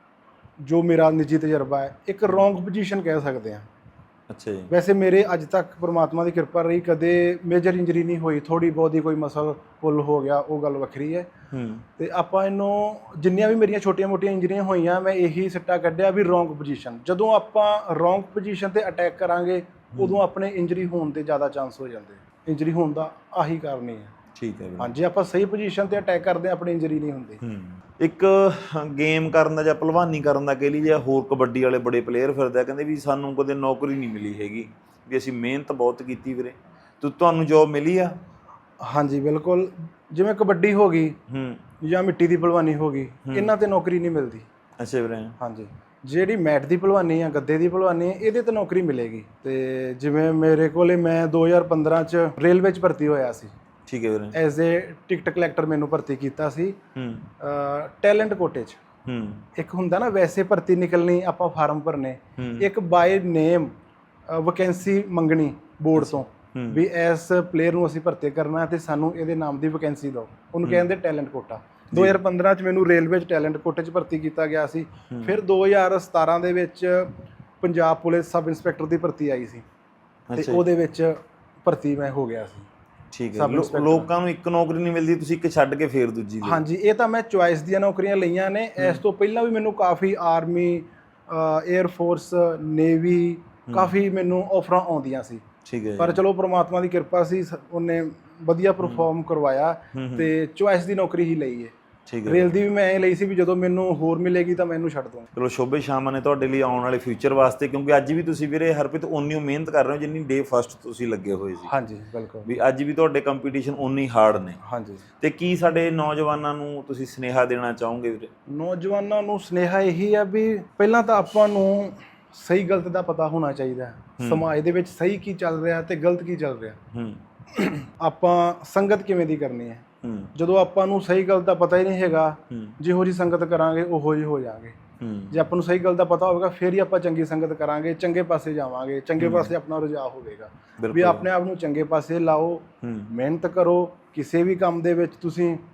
Speaker 2: ਜੋ ਮੇਰਾ ਨਿੱਜੀ ਤਜਰਬਾ ਹੈ, ਇੱਕ ਰੋਂਗ ਪੋਜੀਸ਼ਨ ਕਹਿ ਸਕਦੇ ਹਾਂ। ਅੱਛਾ ਜੀ। ਵੈਸੇ ਮੇਰੇ ਅੱਜ ਤੱਕ ਪਰਮਾਤਮਾ ਦੀ ਕਿਰਪਾ ਰਹੀ, ਕਦੇ ਮੇਜਰ ਇੰਜਰੀ ਨਹੀਂ ਹੋਈ। ਥੋੜੀ ਬਹੁਤੀ ਕੋਈ ਮਸਲ ਪੁੱਲ ਹੋ ਗਿਆ ਉਹ ਗੱਲ ਵੱਖਰੀ ਹੈ। ਤੇ ਆਪਾਂ ਇਹਨੂੰ ਜਿੰਨੀਆਂ ਵੀ ਮੇਰੀਆਂ ਛੋਟੀਆਂ ਮੋਟੀਆਂ ਇੰਜਰੀਆਂ ਹੋਈਆਂ ਮੈਂ ਇਹੀ ਸਿੱਟਾ ਕੱਢਿਆ ਵੀ ਰੋਂਗ ਪੋਜੀਸ਼ਨ। ਜਦੋਂ ਆਪਾਂ ਰੋਂਗ ਪੋਜੀਸ਼ਨ ਤੇ ਅਟੈਕ ਕਰਾਂਗੇ ਉਦੋਂ ਆਪਣੇ ਇੰਜਰੀ ਹੋਣ ਦੇ ਜ਼ਿਆਦਾ ਚਾਂਸ ਹੋ ਜਾਂਦੇ। ਇੰਜਰੀ ਹੋਣ ਦਾ ਆਹੀ ਕਾਰਨ ਹੀ ਹੈ। ਠੀਕ ਹੈ। ਹਾਂਜੀ, ਆਪਾਂ ਸਹੀ ਪੋਜੀਸ਼ਨ ਤੇ ਅਟੈਕ ਕਰਦੇ ਹਾਂ ਆਪਣੀ ਇੰਜਰੀ ਨਹੀਂ ਹੁੰਦੀ।
Speaker 1: ਇੱਕ ਗੇਮ ਕਰਨ ਦਾ ਜਾਂ ਭਲਵਾਨੀ ਕਰਨ ਦਾ ਕਹਿ ਲਈ ਜਾਂ ਹੋਰ ਕਬੱਡੀ ਵਾਲੇ ਬੜੇ ਪਲੇਅਰ ਫਿਰਦੇ ਆ ਕਹਿੰਦੇ ਵੀ ਸਾਨੂੰ ਕਦੇ ਨੌਕਰੀ ਨਹੀਂ ਮਿਲੀ ਹੈਗੀ, ਵੀ ਅਸੀਂ ਮਿਹਨਤ ਬਹੁਤ ਕੀਤੀ ਵੀਰੇ। ਤੁਹਾਨੂੰ ਜੋਬ ਮਿਲੀ ਆ?
Speaker 2: ਹਾਂਜੀ ਬਿਲਕੁਲ। ਜਿਵੇਂ ਕਬੱਡੀ ਹੋ ਗਈ ਜਾਂ ਮਿੱਟੀ ਦੀ ਭਲਵਾਨੀ ਹੋ ਗਈ, ਇਹਨਾਂ ਤੇ ਨੌਕਰੀ ਨਹੀਂ ਮਿਲਦੀ। ਅੱਛਾ ਵੀਰੇ। ਹਾਂਜੀ। ਜਿਹੜੀ ਮੈਟ ਦੀ ਭਲਵਾਨੀ ਆ, ਗੱਦੇ ਦੀ ਭਲਵਾਨੀ ਆ, ਇਹਦੇ ਤੇ ਨੌਕਰੀ ਮਿਲੇਗੀ। ਤੇ ਜਿਵੇਂ ਮੇਰੇ ਕੋਲੇ ਮੈਂ 2015 ਚ ਰੇਲਵੇ ਚ ਭਰਤੀ ਹੋਇਆ ਸੀ। ਠੀਕ ਹੈ ਵੀਰੇ। ਐਜ਼ ਏ ਟਿਕਟ ਕਲੈਕਟਰ ਮੈਨੂੰ ਭਰਤੀ ਕੀਤਾ ਸੀ ਟੈਲੈਂਟ ਕੋਟੇ 'ਚ। ਇੱਕ ਹੁੰਦਾ ਨਾ ਵੈਸੇ ਭਰਤੀ ਨਿਕਲਣੀ, ਆਪਾਂ ਫਾਰਮ ਭਰਨੇ, ਇੱਕ ਬਾਏ ਨੇਮ ਵੈਕੈਂਸੀ ਮੰਗਣੀ ਬੋਰਡ ਤੋਂ ਵੀ ਇਸ ਪਲੇਅਰ ਨੂੰ ਅਸੀਂ ਭਰਤੀ ਕਰਨਾ ਤੇ ਸਾਨੂੰ ਇਹਦੇ ਨਾਮ ਦੀ ਵੈਕੈਂਸੀ ਦਿਓ, ਉਹਨੂੰ ਕਹਿੰਦੇ ਟੈਲੈਂਟ ਕੋਟਾ। 2015 ਚ ਮੈਨੂੰ ਰੇਲਵੇ 'ਚ ਟੈਲੈਂਟ ਕੋਟੇ 'ਚ ਭਰਤੀ ਕੀਤਾ ਗਿਆ ਸੀ। ਫਿਰ 2017 ਦੇ ਵਿੱਚ ਪੰਜਾਬ ਪੁਲਿਸ ਸਬ ਇੰਸਪੈਕਟਰ ਦੀ ਭਰਤੀ ਆਈ ਸੀ ਤੇ ਉਹਦੇ ਵਿੱਚ ਭਰਤੀ ਮੈਂ ਹੋ ਗਿਆ ਸੀ।
Speaker 1: ਠੀਕ ਹੈ। ਲੋਕਾਂ ਨੂੰ ਇੱਕ ਨੌਕਰੀ ਨਹੀਂ ਮਿਲਦੀ, ਤੁਸੀਂ ਇੱਕ ਛੱਡ ਕੇ ਫੇਰ ਦੂਜੀ ਲਈ।
Speaker 2: ਹਾਂਜੀ, ਇਹ ਤਾਂ ਮੈਂ ਚੁਆਇਸ ਦੀਆਂ ਨੌਕਰੀਆਂ ਲਈਆਂ ਨੇ। ਇਸ ਤੋਂ ਪਹਿਲਾਂ ਵੀ ਮੈਨੂੰ ਕਾਫੀ ਆਰਮੀ, ਏਅਰ ਫੋਰਸ, ਨੇਵੀ ਕਾਫੀ ਮੈਨੂੰ ਆਫਰਾਂ ਆਉਂਦੀਆਂ ਸੀ। ਠੀਕ ਹੈ। ਪਰ ਚਲੋ ਪ੍ਰਮਾਤਮਾ ਦੀ ਕਿਰਪਾ ਸੀ, ਉਹਨੇ ਵਧੀਆ ਪਰਫਾਰਮ ਕਰਵਾਇਆ ਤੇ ਚੁਆਇਸ ਦੀ ਨੌਕਰੀ ਹੀ ਲਈ ਹੈ। ਠੀਕ ਹੈ। ਰੇਲ ਦੀ ਵੀ ਮੈਂ ਇਹ ਲਈ ਸੀ ਵੀ ਜਦੋਂ ਮੈਨੂੰ ਹੋਰ ਮਿਲੇਗੀ ਤਾਂ ਮੈਂ ਇਹਨੂੰ ਛੱਡ ਦੂੰਗਾ।
Speaker 1: ਚਲੋ ਸ਼ੋਭੇ ਸ਼ਾਮਾਂ ਨੇ ਤੁਹਾਡੇ ਲਈ ਆਉਣ ਵਾਲੇ ਫਿਊਚਰ ਵਾਸਤੇ, ਕਿਉਂਕਿ ਅੱਜ ਵੀ ਤੁਸੀਂ ਵੀਰੇ ਹਰਪ੍ਰੀਤ ਓਨੀ ਮਿਹਨਤ ਕਰ ਰਹੇ ਹੋ ਜਿੰਨੀ ਡੇ ਫਸਟ ਤੁਸੀਂ ਲੱਗੇ ਹੋਏ ਸੀ।
Speaker 2: ਹਾਂਜੀ ਬਿਲਕੁਲ।
Speaker 1: ਵੀ ਅੱਜ ਵੀ ਤੁਹਾਡੇ ਕੰਪੀਟੀਸ਼ਨ ਓਨੀ ਹਾਰਡ ਨੇ। ਹਾਂਜੀ। ਤੇ ਕੀ ਸਾਡੇ ਨੌਜਵਾਨਾਂ ਨੂੰ ਤੁਸੀਂ ਸੁਨੇਹਾ ਦੇਣਾ ਚਾਹੋਗੇ ਵੀਰੇ?
Speaker 2: ਨੌਜਵਾਨਾਂ ਨੂੰ ਸੁਨੇਹਾ ਇਹੀ ਆ ਵੀ ਪਹਿਲਾਂ ਤਾਂ ਆਪਾਂ ਨੂੰ ਸਹੀ ਗਲਤ ਦਾ ਪਤਾ ਹੋਣਾ ਚਾਹੀਦਾ। ਸਮਾਜ ਦੇ ਵਿੱਚ ਸਹੀ ਕੀ ਚੱਲ ਰਿਹਾ ਤੇ ਗਲਤ ਕੀ ਚੱਲ ਰਿਹਾ। ਆਪਾਂ ਸੰਗਤ ਕਿਵੇਂ ਦੀ ਕਰਨੀ ਹੈ। ਜਦੋਂ ਆਪਾਂ ਨੂੰ ਸਹੀ ਗੱਲ ਦਾ ਪਤਾ ਹੀ ਨਹੀਂ ਹੈਗਾ, ਜਿਹੋ ਜਿਹੀ ਸੰਗਤ ਕਰਾਂਗੇ ਉਹੋ ਜਿਹੇ ਹੋ ਜਾਵਾਂਗੇ। ਜੇ ਆਪਾਂ ਨੂੰ ਸਹੀ ਗੱਲ ਦਾ ਪਤਾ ਹੋਵੇਗਾ ਫਿਰ ਹੀ ਆਪਾਂ ਚੰਗੀ ਸੰਗਤ ਕਰਾਂਗੇ, ਚੰਗੇ ਪਾਸੇ ਜਾਵਾਂਗੇ, ਚੰਗੇ ਪਾਸੇ ਆਪਣਾ ਰੁਝਾਅ ਹੋਵੇਗਾ। ਵੀ ਆਪਣੇ ਆਪ ਨੂੰ ਚੰਗੇ ਪਾਸੇ ਲਾਓ, ਮਿਹਨਤ ਕਰੋ। ਕਿਸੇ ਵੀ ਕੰਮ ਦੇ ਵਿੱਚ ਤੁਸੀਂ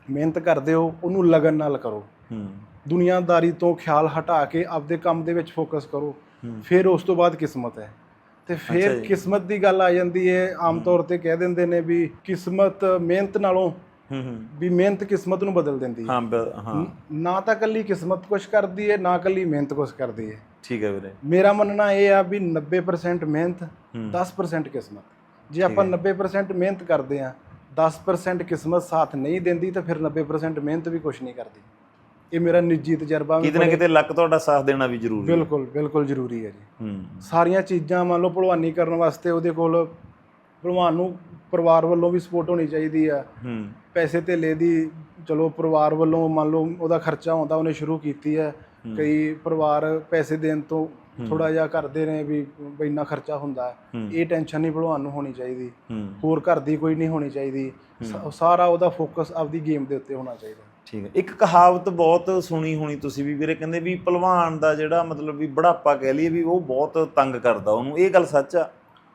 Speaker 2: ਮਿਹਨਤ ਕਰਦੇ ਹੋ ਉਹਨੂੰ ਲਗਨ ਨਾਲ ਕਰੋ। ਦੁਨੀਆਦਾਰੀ ਤੋਂ ਖਿਆਲ ਹਟਾ ਕੇ ਆਪਦੇ ਕੰਮ ਦੇ ਵਿੱਚ ਫੋਕਸ ਕਰੋ। ਫਿਰ ਉਸ ਤੋਂ ਬਾਅਦ ਕਿਸਮਤ ਹੈ। ਤੇ ਫਿਰ ਕਿਸਮਤ ਦੀ ਗੱਲ ਆ ਜਾਂਦੀ ਹੈ। ਆਮ ਤੌਰ ਤੇ ਕਹਿ ਦਿੰਦੇ ਨੇ ਵੀ ਕਿਸਮਤ ਮਿਹਨਤ ਨਾਲੋਂ ਵੀ ਮਿਹਨਤ ਕਿਸਮਤ ਨੂੰ ਬਦਲ ਦਿੰਦੀ ਹੈ। ਨਾ ਤਾਂ ਕੱਲੀ ਕਿਸਮਤ ਕੁਛ ਕਰਦੀ ਹੈ, ਨਾ ਕੱਲੀ ਮਿਹਨਤ ਕੁਛ ਕਰਦੀ ਹੈ।
Speaker 1: ਠੀਕ ਹੈ ਵੀਰੇ।
Speaker 2: ਮੇਰਾ ਮੰਨਣਾ ਇਹ ਆ ਵੀ 90% ਮਿਹਨਤ 10% ਕਿਸਮਤ। ਜੇ ਆਪਾਂ 90% ਮਿਹਨਤ ਕਰਦੇ ਆ, 10% ਕਿਸਮਤ ਸਾਥ ਨਹੀਂ ਦਿੰਦੀ, ਤਾਂ ਫਿਰ 90% ਮਿਹਨਤ ਵੀ ਕੁਛ ਨਹੀਂ ਕਰਦੀ। ਇਹ ਮੇਰਾ ਨਿੱਜੀ ਤਜਰਬਾ।
Speaker 1: ਕਿਤੇ ਨਾ ਕਿਤੇ ਲੱਕ ਤੁਹਾਡਾ ਸਾਥ ਦੇਣਾ ਵੀ ਜ਼ਰੂਰੀ ਹੈ।
Speaker 2: ਬਿਲਕੁਲ ਬਿਲਕੁਲ ਜ਼ਰੂਰੀ ਹੈ ਜੀ। ਸਾਰੀਆਂ ਚੀਜ਼ਾਂ ਮੰਨ ਲਓ ਭਲਵਾਨੀ ਕਰਨ ਵਾਸਤੇ ਉਹਦੇ ਕੋਲ ਭਲਵਾਨ ਨੂੰ ਪਰਿਵਾਰ ਵੱਲੋਂ ਵੀ ਸਪੋਰਟ ਹੋਣੀ ਚਾਹੀਦੀ ਆ। ਪੈਸੇ ਧੇਲੇ ਦੀ ਚਲੋ ਪਰਿਵਾਰ ਵੱਲੋਂ ਮੰਨ ਲਓ ਉਹਦਾ ਖਰਚਾ ਹੁੰਦਾ, ਉਹਨੇ ਸ਼ੁਰੂ ਕੀਤੀ ਹੈ। ਕਈ ਪਰਿਵਾਰ ਪੈਸੇ ਦੇਣ ਤੋਂ ਥੋੜਾ ਜਿਹਾ ਕਰਦੇ ਨੇ ਵੀ ਇੰਨਾ ਖਰਚਾ ਹੁੰਦਾ। ਇਹ ਟੈਨਸ਼ਨ ਨਹੀਂ ਭਲਵਾਨ ਨੂੰ ਹੋਣੀ ਚਾਹੀਦੀ। ਹੋਰ ਘਰ ਦੀ ਕੋਈ ਨਹੀਂ ਹੋਣੀ ਚਾਹੀਦੀ। ਸਾਰਾ ਉਹਦਾ ਫੋਕਸ ਆਪਦੀ ਗੇਮ ਦੇ ਉੱਤੇ ਹੋਣਾ ਚਾਹੀਦਾ।
Speaker 1: ਠੀਕ ਹੈ। ਇੱਕ ਕਹਾਵਤ ਬਹੁਤ ਸੁਣੀ ਹੋਣੀ ਤੁਸੀਂ ਵੀ ਵੀਰੇ, ਕਹਿੰਦੇ ਵੀ ਭਲਵਾਨ ਦਾ ਜਿਹੜਾ ਮਤਲਬ ਵੀ ਬੁਢਾਪਾ ਕਹਿ ਲਈਏ ਵੀ ਉਹ ਬਹੁਤ ਤੰਗ ਕਰਦਾ ਉਹਨੂੰ। ਇਹ ਗੱਲ ਸੱਚ ਆ?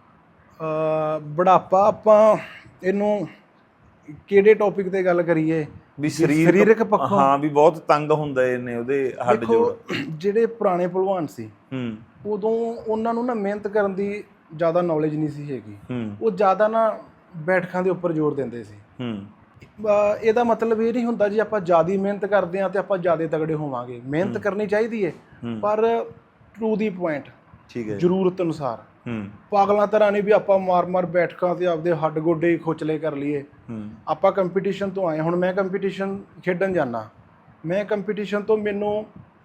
Speaker 2: ਬੁਢਾਪਾ ਆਪਾਂ ਇਹਨੂੰ ਕਿਹੜੇ ਟੌਪਿਕ ਤੇ ਗੱਲ ਕਰੀਏ?
Speaker 1: ਵੀ ਸਰੀਰਕ ਪੱਖੋਂ ਹਾਂ ਵੀ ਬਹੁਤ ਤੰਗ ਹੁੰਦੇ ਨੇ ਉਹਦੇ ਹੱਡ ਜੋੜ।
Speaker 2: ਜਿਹੜੇ ਪੁਰਾਣੇ ਭਲਵਾਨ ਸੀ ਉਦੋਂ ਉਹਨਾਂ ਨੂੰ ਨਾ ਮਿਹਨਤ ਕਰਨ ਦੀ ਜ਼ਿਆਦਾ ਨੌਲੇਜ ਨਹੀਂ ਸੀ ਹੈਗੀ। ਉਹ ਜ਼ਿਆਦਾ ਨਾ ਬੈਠਕਾਂ ਦੇ ਉੱਪਰ ਜ਼ੋਰ ਦਿੰਦੇ ਸੀ। ਇਹਦਾ ਮਤਲਬ ਇਹ ਨਹੀਂ ਹੁੰਦਾ ਜੀ ਆਪਾਂ ਜ਼ਿਆਦਾ ਮਿਹਨਤ ਕਰਦੇ ਹਾਂ ਤੇ ਆਪਾਂ ਜ਼ਿਆਦਾ ਤਗੜੇ ਹੋਵਾਂਗੇ। ਮਿਹਨਤ ਕਰਨੀ ਚਾਹੀਦੀ ਹੈ, ਪਰ ਟੂ ਦੀ ਪੁਆਇੰਟ। ਠੀਕ ਹੈ। ਜ਼ਰੂਰਤ ਅਨੁਸਾਰ। ਪਾਗਲਾਂ ਤਰ੍ਹਾਂ ਨਹੀਂ ਵੀ ਆਪਾਂ ਮਾਰ ਬੈਠਕਾਂ ਤੇ ਆਪਦੇ ਹੱਡ ਗੋਡੇ ਹੀ ਖੋਚਲੇ ਕਰ ਲਈਏ। ਆਪਾਂ ਕੰਪੀਟੀਸ਼ਨ ਤੋਂ ਆਏ। ਹੁਣ ਮੈਂ ਕੰਪੀਟੀਸ਼ਨ ਖੇਡਣ ਜਾਂਦਾ, ਮੈਂ ਕੰਪੀਟੀਸ਼ਨ ਤੋਂ ਮੈਨੂੰ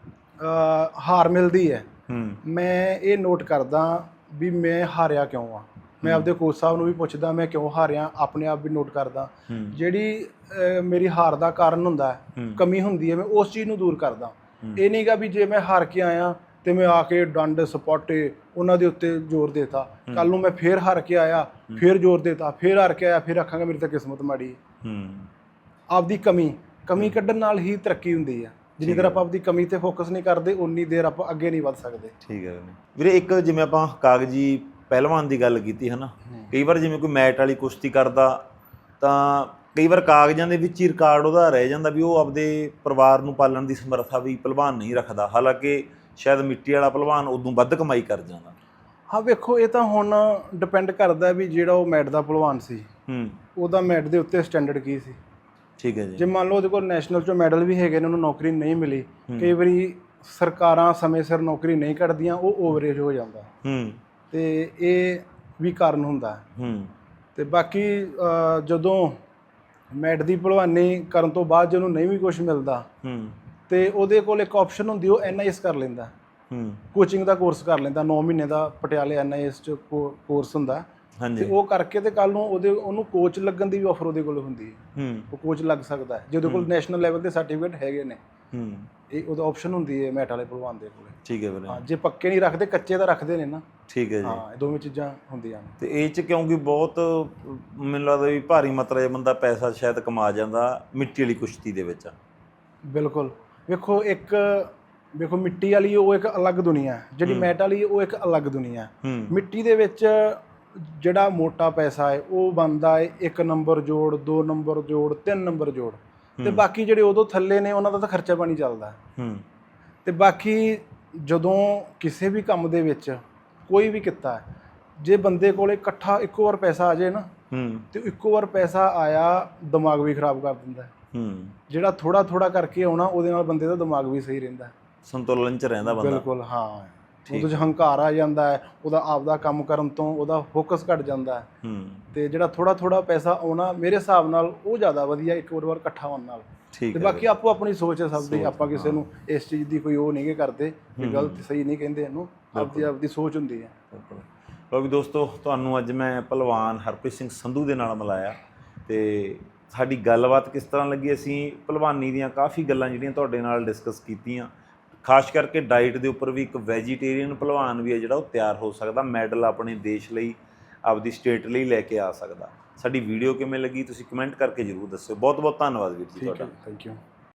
Speaker 2: ਹਾਰ ਮਿਲਦੀ ਹੈ। ਮੈਂ ਇਹ ਨੋਟ ਕਰਦਾ ਵੀ ਮੈਂ ਹਾਰਿਆ ਕਿਉਂ ਆ। ਮੈਂ ਆਪਦੇ ਕੋਚ ਸਾਹਿਬ ਨੂੰ ਵੀ ਪੁੱਛਦਾ ਮੈਂ ਕਿਉਂ ਹਾਰਿਆ, ਆਪਣੇ ਆਪ ਵੀ ਨੋਟ ਕਰਦਾ। ਜਿਹੜੀ ਮੇਰੀ ਹਾਰ ਦਾ ਕਾਰਨ ਹੁੰਦਾ, ਕਮੀ ਹੁੰਦੀ ਹੈ, ਮੈਂ ਉਸ ਚੀਜ਼ ਨੂੰ ਦੂਰ ਕਰਦਾ। ਇਹ ਨਹੀਂਗਾ ਵੀ ਜੇ ਮੈਂ ਹਾਰ ਕੇ ਆਇਆ ਤੇ ਮੈਂ ਆ ਕੇ ਡੰਡ ਸਪਾਟੇ ਉਹਨਾਂ ਦੇ ਉੱਤੇ ਜ਼ੋਰ ਦੇਤਾ। ਕੱਲ ਨੂੰ ਮੈਂ ਫੇਰ ਹਾਰ ਕੇ ਆਇਆ, ਫੇਰ ਜ਼ੋਰ ਦੇਤਾ, ਫੇਰ ਹਾਰ ਕੇ ਆਇਆ, ਫੇਰ ਆਖਾਂਗਾ ਮੇਰੀ ਤਾਂ ਕਿਸਮਤ ਮਾੜੀ ਹੈ। ਆਪਦੀ ਕਮੀ ਕੱਢਣ ਨਾਲ ਹੀ ਤਰੱਕੀ ਹੁੰਦੀ ਹੈ। ਜਿੰਨੀ ਦੇਰ ਆਪਾਂ ਆਪਦੀ ਕਮੀ ਤੇ ਫੋਕਸ ਨਹੀਂ ਕਰਦੇ, ਉਨੀ ਦੇਰ ਆਪਾਂ ਅੱਗੇ ਨਹੀਂ ਵੱਧ ਸਕਦੇ। ਠੀਕ ਹੈ
Speaker 1: ਵੀਰੇ। ਇੱਕ ਜਿਵੇਂ ਆਪਾਂ ਕਾਗਜ਼ੀ ਪਹਿਲਵਾਨ ਦੀ ਗੱਲ ਕੀਤੀ ਹੈ ਨਾ, ਕਈ ਵਾਰ ਜਿਵੇਂ ਕੋਈ ਮੈਟ ਵਾਲੀ ਕੁਸ਼ਤੀ ਕਰਦਾ ਤਾਂ ਕਈ ਵਾਰ ਕਾਗਜ਼ਾਂ ਦੇ ਵਿੱਚ ਹੀ ਰਿਕਾਰਡ ਉਹਦਾ ਰਹਿ ਜਾਂਦਾ ਵੀ ਉਹ ਆਪਦੇ ਪਰਿਵਾਰ ਨੂੰ ਪਾਲਣ ਦੀ ਸਮਰੱਥਾ ਵੀ ਭਲਵਾਨ ਨਹੀਂ ਰੱਖਦਾ। ਹਾਲਾਂਕਿ ਸ਼ਾਇਦ ਮਿੱਟੀ ਵਾਲਾ ਭਲਵਾਨ ਉਦੋਂ ਵੱਧ ਕਮਾਈ ਕਰ ਜਾਂਦਾ।
Speaker 2: ਹਾਂ ਵੇਖੋ, ਇਹ ਤਾਂ ਹੁਣ ਡਿਪੈਂਡ ਕਰਦਾ ਵੀ ਜਿਹੜਾ ਉਹ ਮੈਟ ਦਾ ਭਲਵਾਨ ਸੀ ਉਹਦਾ ਮੈਟ ਦੇ ਉੱਤੇ ਸਟੈਂਡਰਡ ਕੀ ਸੀ। ਠੀਕ ਹੈ ਜੀ। ਜੇ ਮੰਨ ਲਓ ਉਹਦੇ ਕੋਲ ਨੈਸ਼ਨਲ 'ਚੋਂ ਮੈਡਲ ਵੀ ਹੈਗੇ ਨੇ, ਉਹਨੂੰ ਨੌਕਰੀ ਨਹੀਂ ਮਿਲੀ। ਕਈ ਵਾਰੀ ਸਰਕਾਰਾਂ ਸਮੇਂ ਸਿਰ ਨੌਕਰੀ ਨਹੀਂ ਕੱਢਦੀਆਂ, ਉਹ ਓਵਰੇਜ ਹੋ ਜਾਂਦਾ। ਤੇ ਇਹ ਵੀ ਕਾਰਨ ਹੁੰਦਾ। ਤੇ ਬਾਕੀ ਜਦੋਂ ਮੈਟ ਦੀ ਭਲਵਾਨੀ ਕਰਨ ਤੋਂ ਬਾਅਦ ਜੇ ਉਹਨੂੰ ਨਹੀਂ ਵੀ ਕੁਛ ਮਿਲਦਾ ਤੇ ਉਹਦੇ ਕੋਲ ਇੱਕ ਆਪਸ਼ਨ ਹੁੰਦੀ, ਉਹ NIS ਕਰ ਲੈਂਦਾ। ਕੋਚਿੰਗ ਦਾ ਕੋਰਸ ਕਰ ਲੈਂਦਾ। 9 ਮਹੀਨੇ ਦਾ ਪਟਿਆਲੇ NIS 'ਚ ਕੋਰਸ ਹੁੰਦਾ। ਤੇ ਉਹ ਕਰਕੇ ਤੇ ਕੱਲ ਨੂੰ ਉਹਨੂੰ ਕੋਚ ਲੱਗਣ ਦੀ ਵੀ ਆਫਰ ਉਹਦੇ ਕੋਲ ਹੁੰਦੀ ਹੈ। ਉਹ ਕੋਚ ਲੱਗ ਸਕਦਾ ਹੈ ਜੇ ਉਹਦੇ ਕੋਲ ਨੈਸ਼ਨਲ ਲੈਵਲ ਦੇ ਸਰਟੀਫਿਕੇਟ ਹੈਗੇ ਨੇ। ਇਹ ਉਹਦਾ ਆਪਸ਼ਨ ਹੁੰਦੀ ਹੈ ਮੈਟ ਵਾਲੇ ਭਲਵਾਨ ਦੇ ਕੋਲ। ਠੀਕ ਹੈ ਵੀਰੇ। ਹਾਂ, ਜੇ ਪੱਕੇ ਨਹੀਂ ਰੱਖਦੇ, ਕੱਚੇ ਤਾਂ ਰੱਖਦੇ ਨੇ ਨਾ। ਠੀਕ ਹੈ ਜੀ। ਹਾਂ, ਇਹ ਦੋਵੇਂ ਚੀਜ਼ਾਂ ਹੁੰਦੀਆਂ ਨੇ।
Speaker 1: ਤੇ ਇਹ 'ਚ ਕਿਉਂਕਿ ਬਹੁਤ ਮੈਨੂੰ ਲੱਗਦਾ ਵੀ ਭਾਰੀ ਮਾਤਰਾ 'ਚ ਬੰਦਾ ਪੈਸਾ ਸ਼ਾਇਦ ਕਮਾ ਜਾਂਦਾ ਮਿੱਟੀ ਵਾਲੀ ਕੁਸ਼ਤੀ ਦੇ ਵਿੱਚ।
Speaker 2: ਬਿਲਕੁਲ। ਵੇਖੋ ਮਿੱਟੀ ਵਾਲੀ ਉਹ ਇੱਕ ਅਲੱਗ ਦੁਨੀਆ ਹੈ, ਜਿਹੜੀ ਮੈਟ ਵਾਲੀ ਉਹ ਇੱਕ ਅਲੱਗ ਦੁਨੀਆ ਹੈ। ਮਿੱਟੀ ਦੇ ਵਿੱਚ ਜਿਹੜਾ ਮੋਟਾ ਪੈਸਾ ਹੈ ਉਹ ਬਣਦਾ ਹੈ 1 ਨੰਬਰ ਜੋੜ, 2 ਨੰਬਰ ਜੋੜ, 3 ਨੰਬਰ ਜੋੜ। ਤੇ ਬਾਕੀ ਜਿਹੜੇ ਉਦੋਂ ਥੱਲੇ ਨੇ ਉਹਨਾਂ ਦਾ ਤਾਂ ਖਰਚਾ ਪਾਣੀ ਚੱਲਦਾ। ਤੇ ਬਾਕੀ ਜਦੋਂ ਕਿਸੇ ਵੀ ਕੰਮ ਦੇ ਵਿੱਚ ਕੋਈ ਵੀ ਕਿੱਤਾ ਹੈ, ਜੇ ਬੰਦੇ ਕੋਲ ਇਕੱਠਾ ਇੱਕੋ ਵਾਰ ਪੈਸਾ ਆ ਜਾਏ ਨਾ ਤੇ ਇੱਕੋ ਵਾਰ ਪੈਸਾ ਆਇਆ ਦਿਮਾਗ ਵੀ ਖਰਾਬ ਕਰ ਦਿੰਦਾ। ਜਿਹੜਾ ਥੋੜਾ ਥੋੜਾ ਕਰਕੇ ਆਉਣਾ ਉਹਦੇ ਨਾਲ ਬੰਦੇ ਦਾ ਦਿਮਾਗ ਵੀ ਸਹੀ ਰਹਿੰਦਾ,
Speaker 1: ਸੰਤੁਲਨ 'ਚ ਰਹਿੰਦਾ ਬੰਦਾ।
Speaker 2: ਬਿਲਕੁਲ। ਹਾਂ, ਉਹਦੇ 'ਚ ਹੰਕਾਰ ਆ ਜਾਂਦਾ ਹੈ, ਉਹਦਾ ਆਪਦਾ ਕੰਮ ਕਰਨ ਤੋਂ ਉਹਦਾ ਫੋਕਸ ਘੱਟ ਜਾਂਦਾ ਹੈ। ਤੇ ਜਿਹੜਾ ਥੋੜਾ ਥੋੜਾ ਪੈਸਾ ਆਉਣਾ ਮੇਰੇ ਹਿਸਾਬ ਨਾਲ ਉਹ ਜ਼ਿਆਦਾ ਵਧੀਆ ਇੱਕ ਵਾਰ ਇਕੱਠਾ ਹੋਣ ਨਾਲ। ਤੇ ਬਾਕੀ ਆਪੋ ਆਪਣੀ ਸੋਚ ਹੈ ਸਭ ਦੀ। ਆਪਾਂ ਕਿਸੇ ਨੂੰ ਇਸ ਚੀਜ਼ ਦੀ ਕੋਈ ਉਹ ਨਹੀਂ ਕਰਦੇ ਵੀ ਗਲਤ ਸਹੀ ਨਹੀਂ ਕਹਿੰਦੇ ਇਹਨੂੰ, ਆਪਦੀ ਸੋਚ ਹੁੰਦੀ ਹੈ।
Speaker 1: ਲਓ ਵੀ ਦੋਸਤੋ, ਤੁਹਾਨੂੰ ਅੱਜ ਮੈਂ ਭਲਵਾਨ ਹਰਪ੍ਰੀਤ ਸਿੰਘ ਸੰਧੂ ਦੇ ਨਾਲ ਮਿਲਾਇਆ ਤੇ ਸਾਡੀ ਗੱਲਬਾਤ ਕਿਸ ਤਰ੍ਹਾਂ ਲੱਗੀ। ਅਸੀਂ ਭਲਵਾਨੀ ਦੀਆਂ ਕਾਫੀ ਗੱਲਾਂ ਜਿਹੜੀਆਂ ਤੁਹਾਡੇ ਨਾਲ ਡਿਸਕਸ ਕੀਤੀਆਂ। ਖਾਸ ਕਰਕੇ ਡਾਈਟ ਦੇ ਉੱਪਰ ਵੀ ਇੱਕ ਵੈਜੀਟੇਰੀਅਨ ਭਲਵਾਨ ਵੀ ਹੈ ਜਿਹੜਾ ਉਹ ਤਿਆਰ ਹੋ ਸਕਦਾ, ਮੈਡਲ ਆਪਣੇ ਦੇਸ਼ ਲਈ, ਆਪਦੀ ਸਟੇਟ ਲਈ ਲੈ ਕੇ ਆ ਸਕਦਾ। ਸਾਡੀ ਵੀਡੀਓ ਕਿਵੇਂ ਲੱਗੀ ਤੁਸੀਂ ਕਮੈਂਟ ਕਰਕੇ ਜ਼ਰੂਰ ਦੱਸਿਓ। ਬਹੁਤ ਬਹੁਤ ਧੰਨਵਾਦ ਵੀਰ ਜੀ ਤੁਹਾਡਾ।
Speaker 2: Thank you.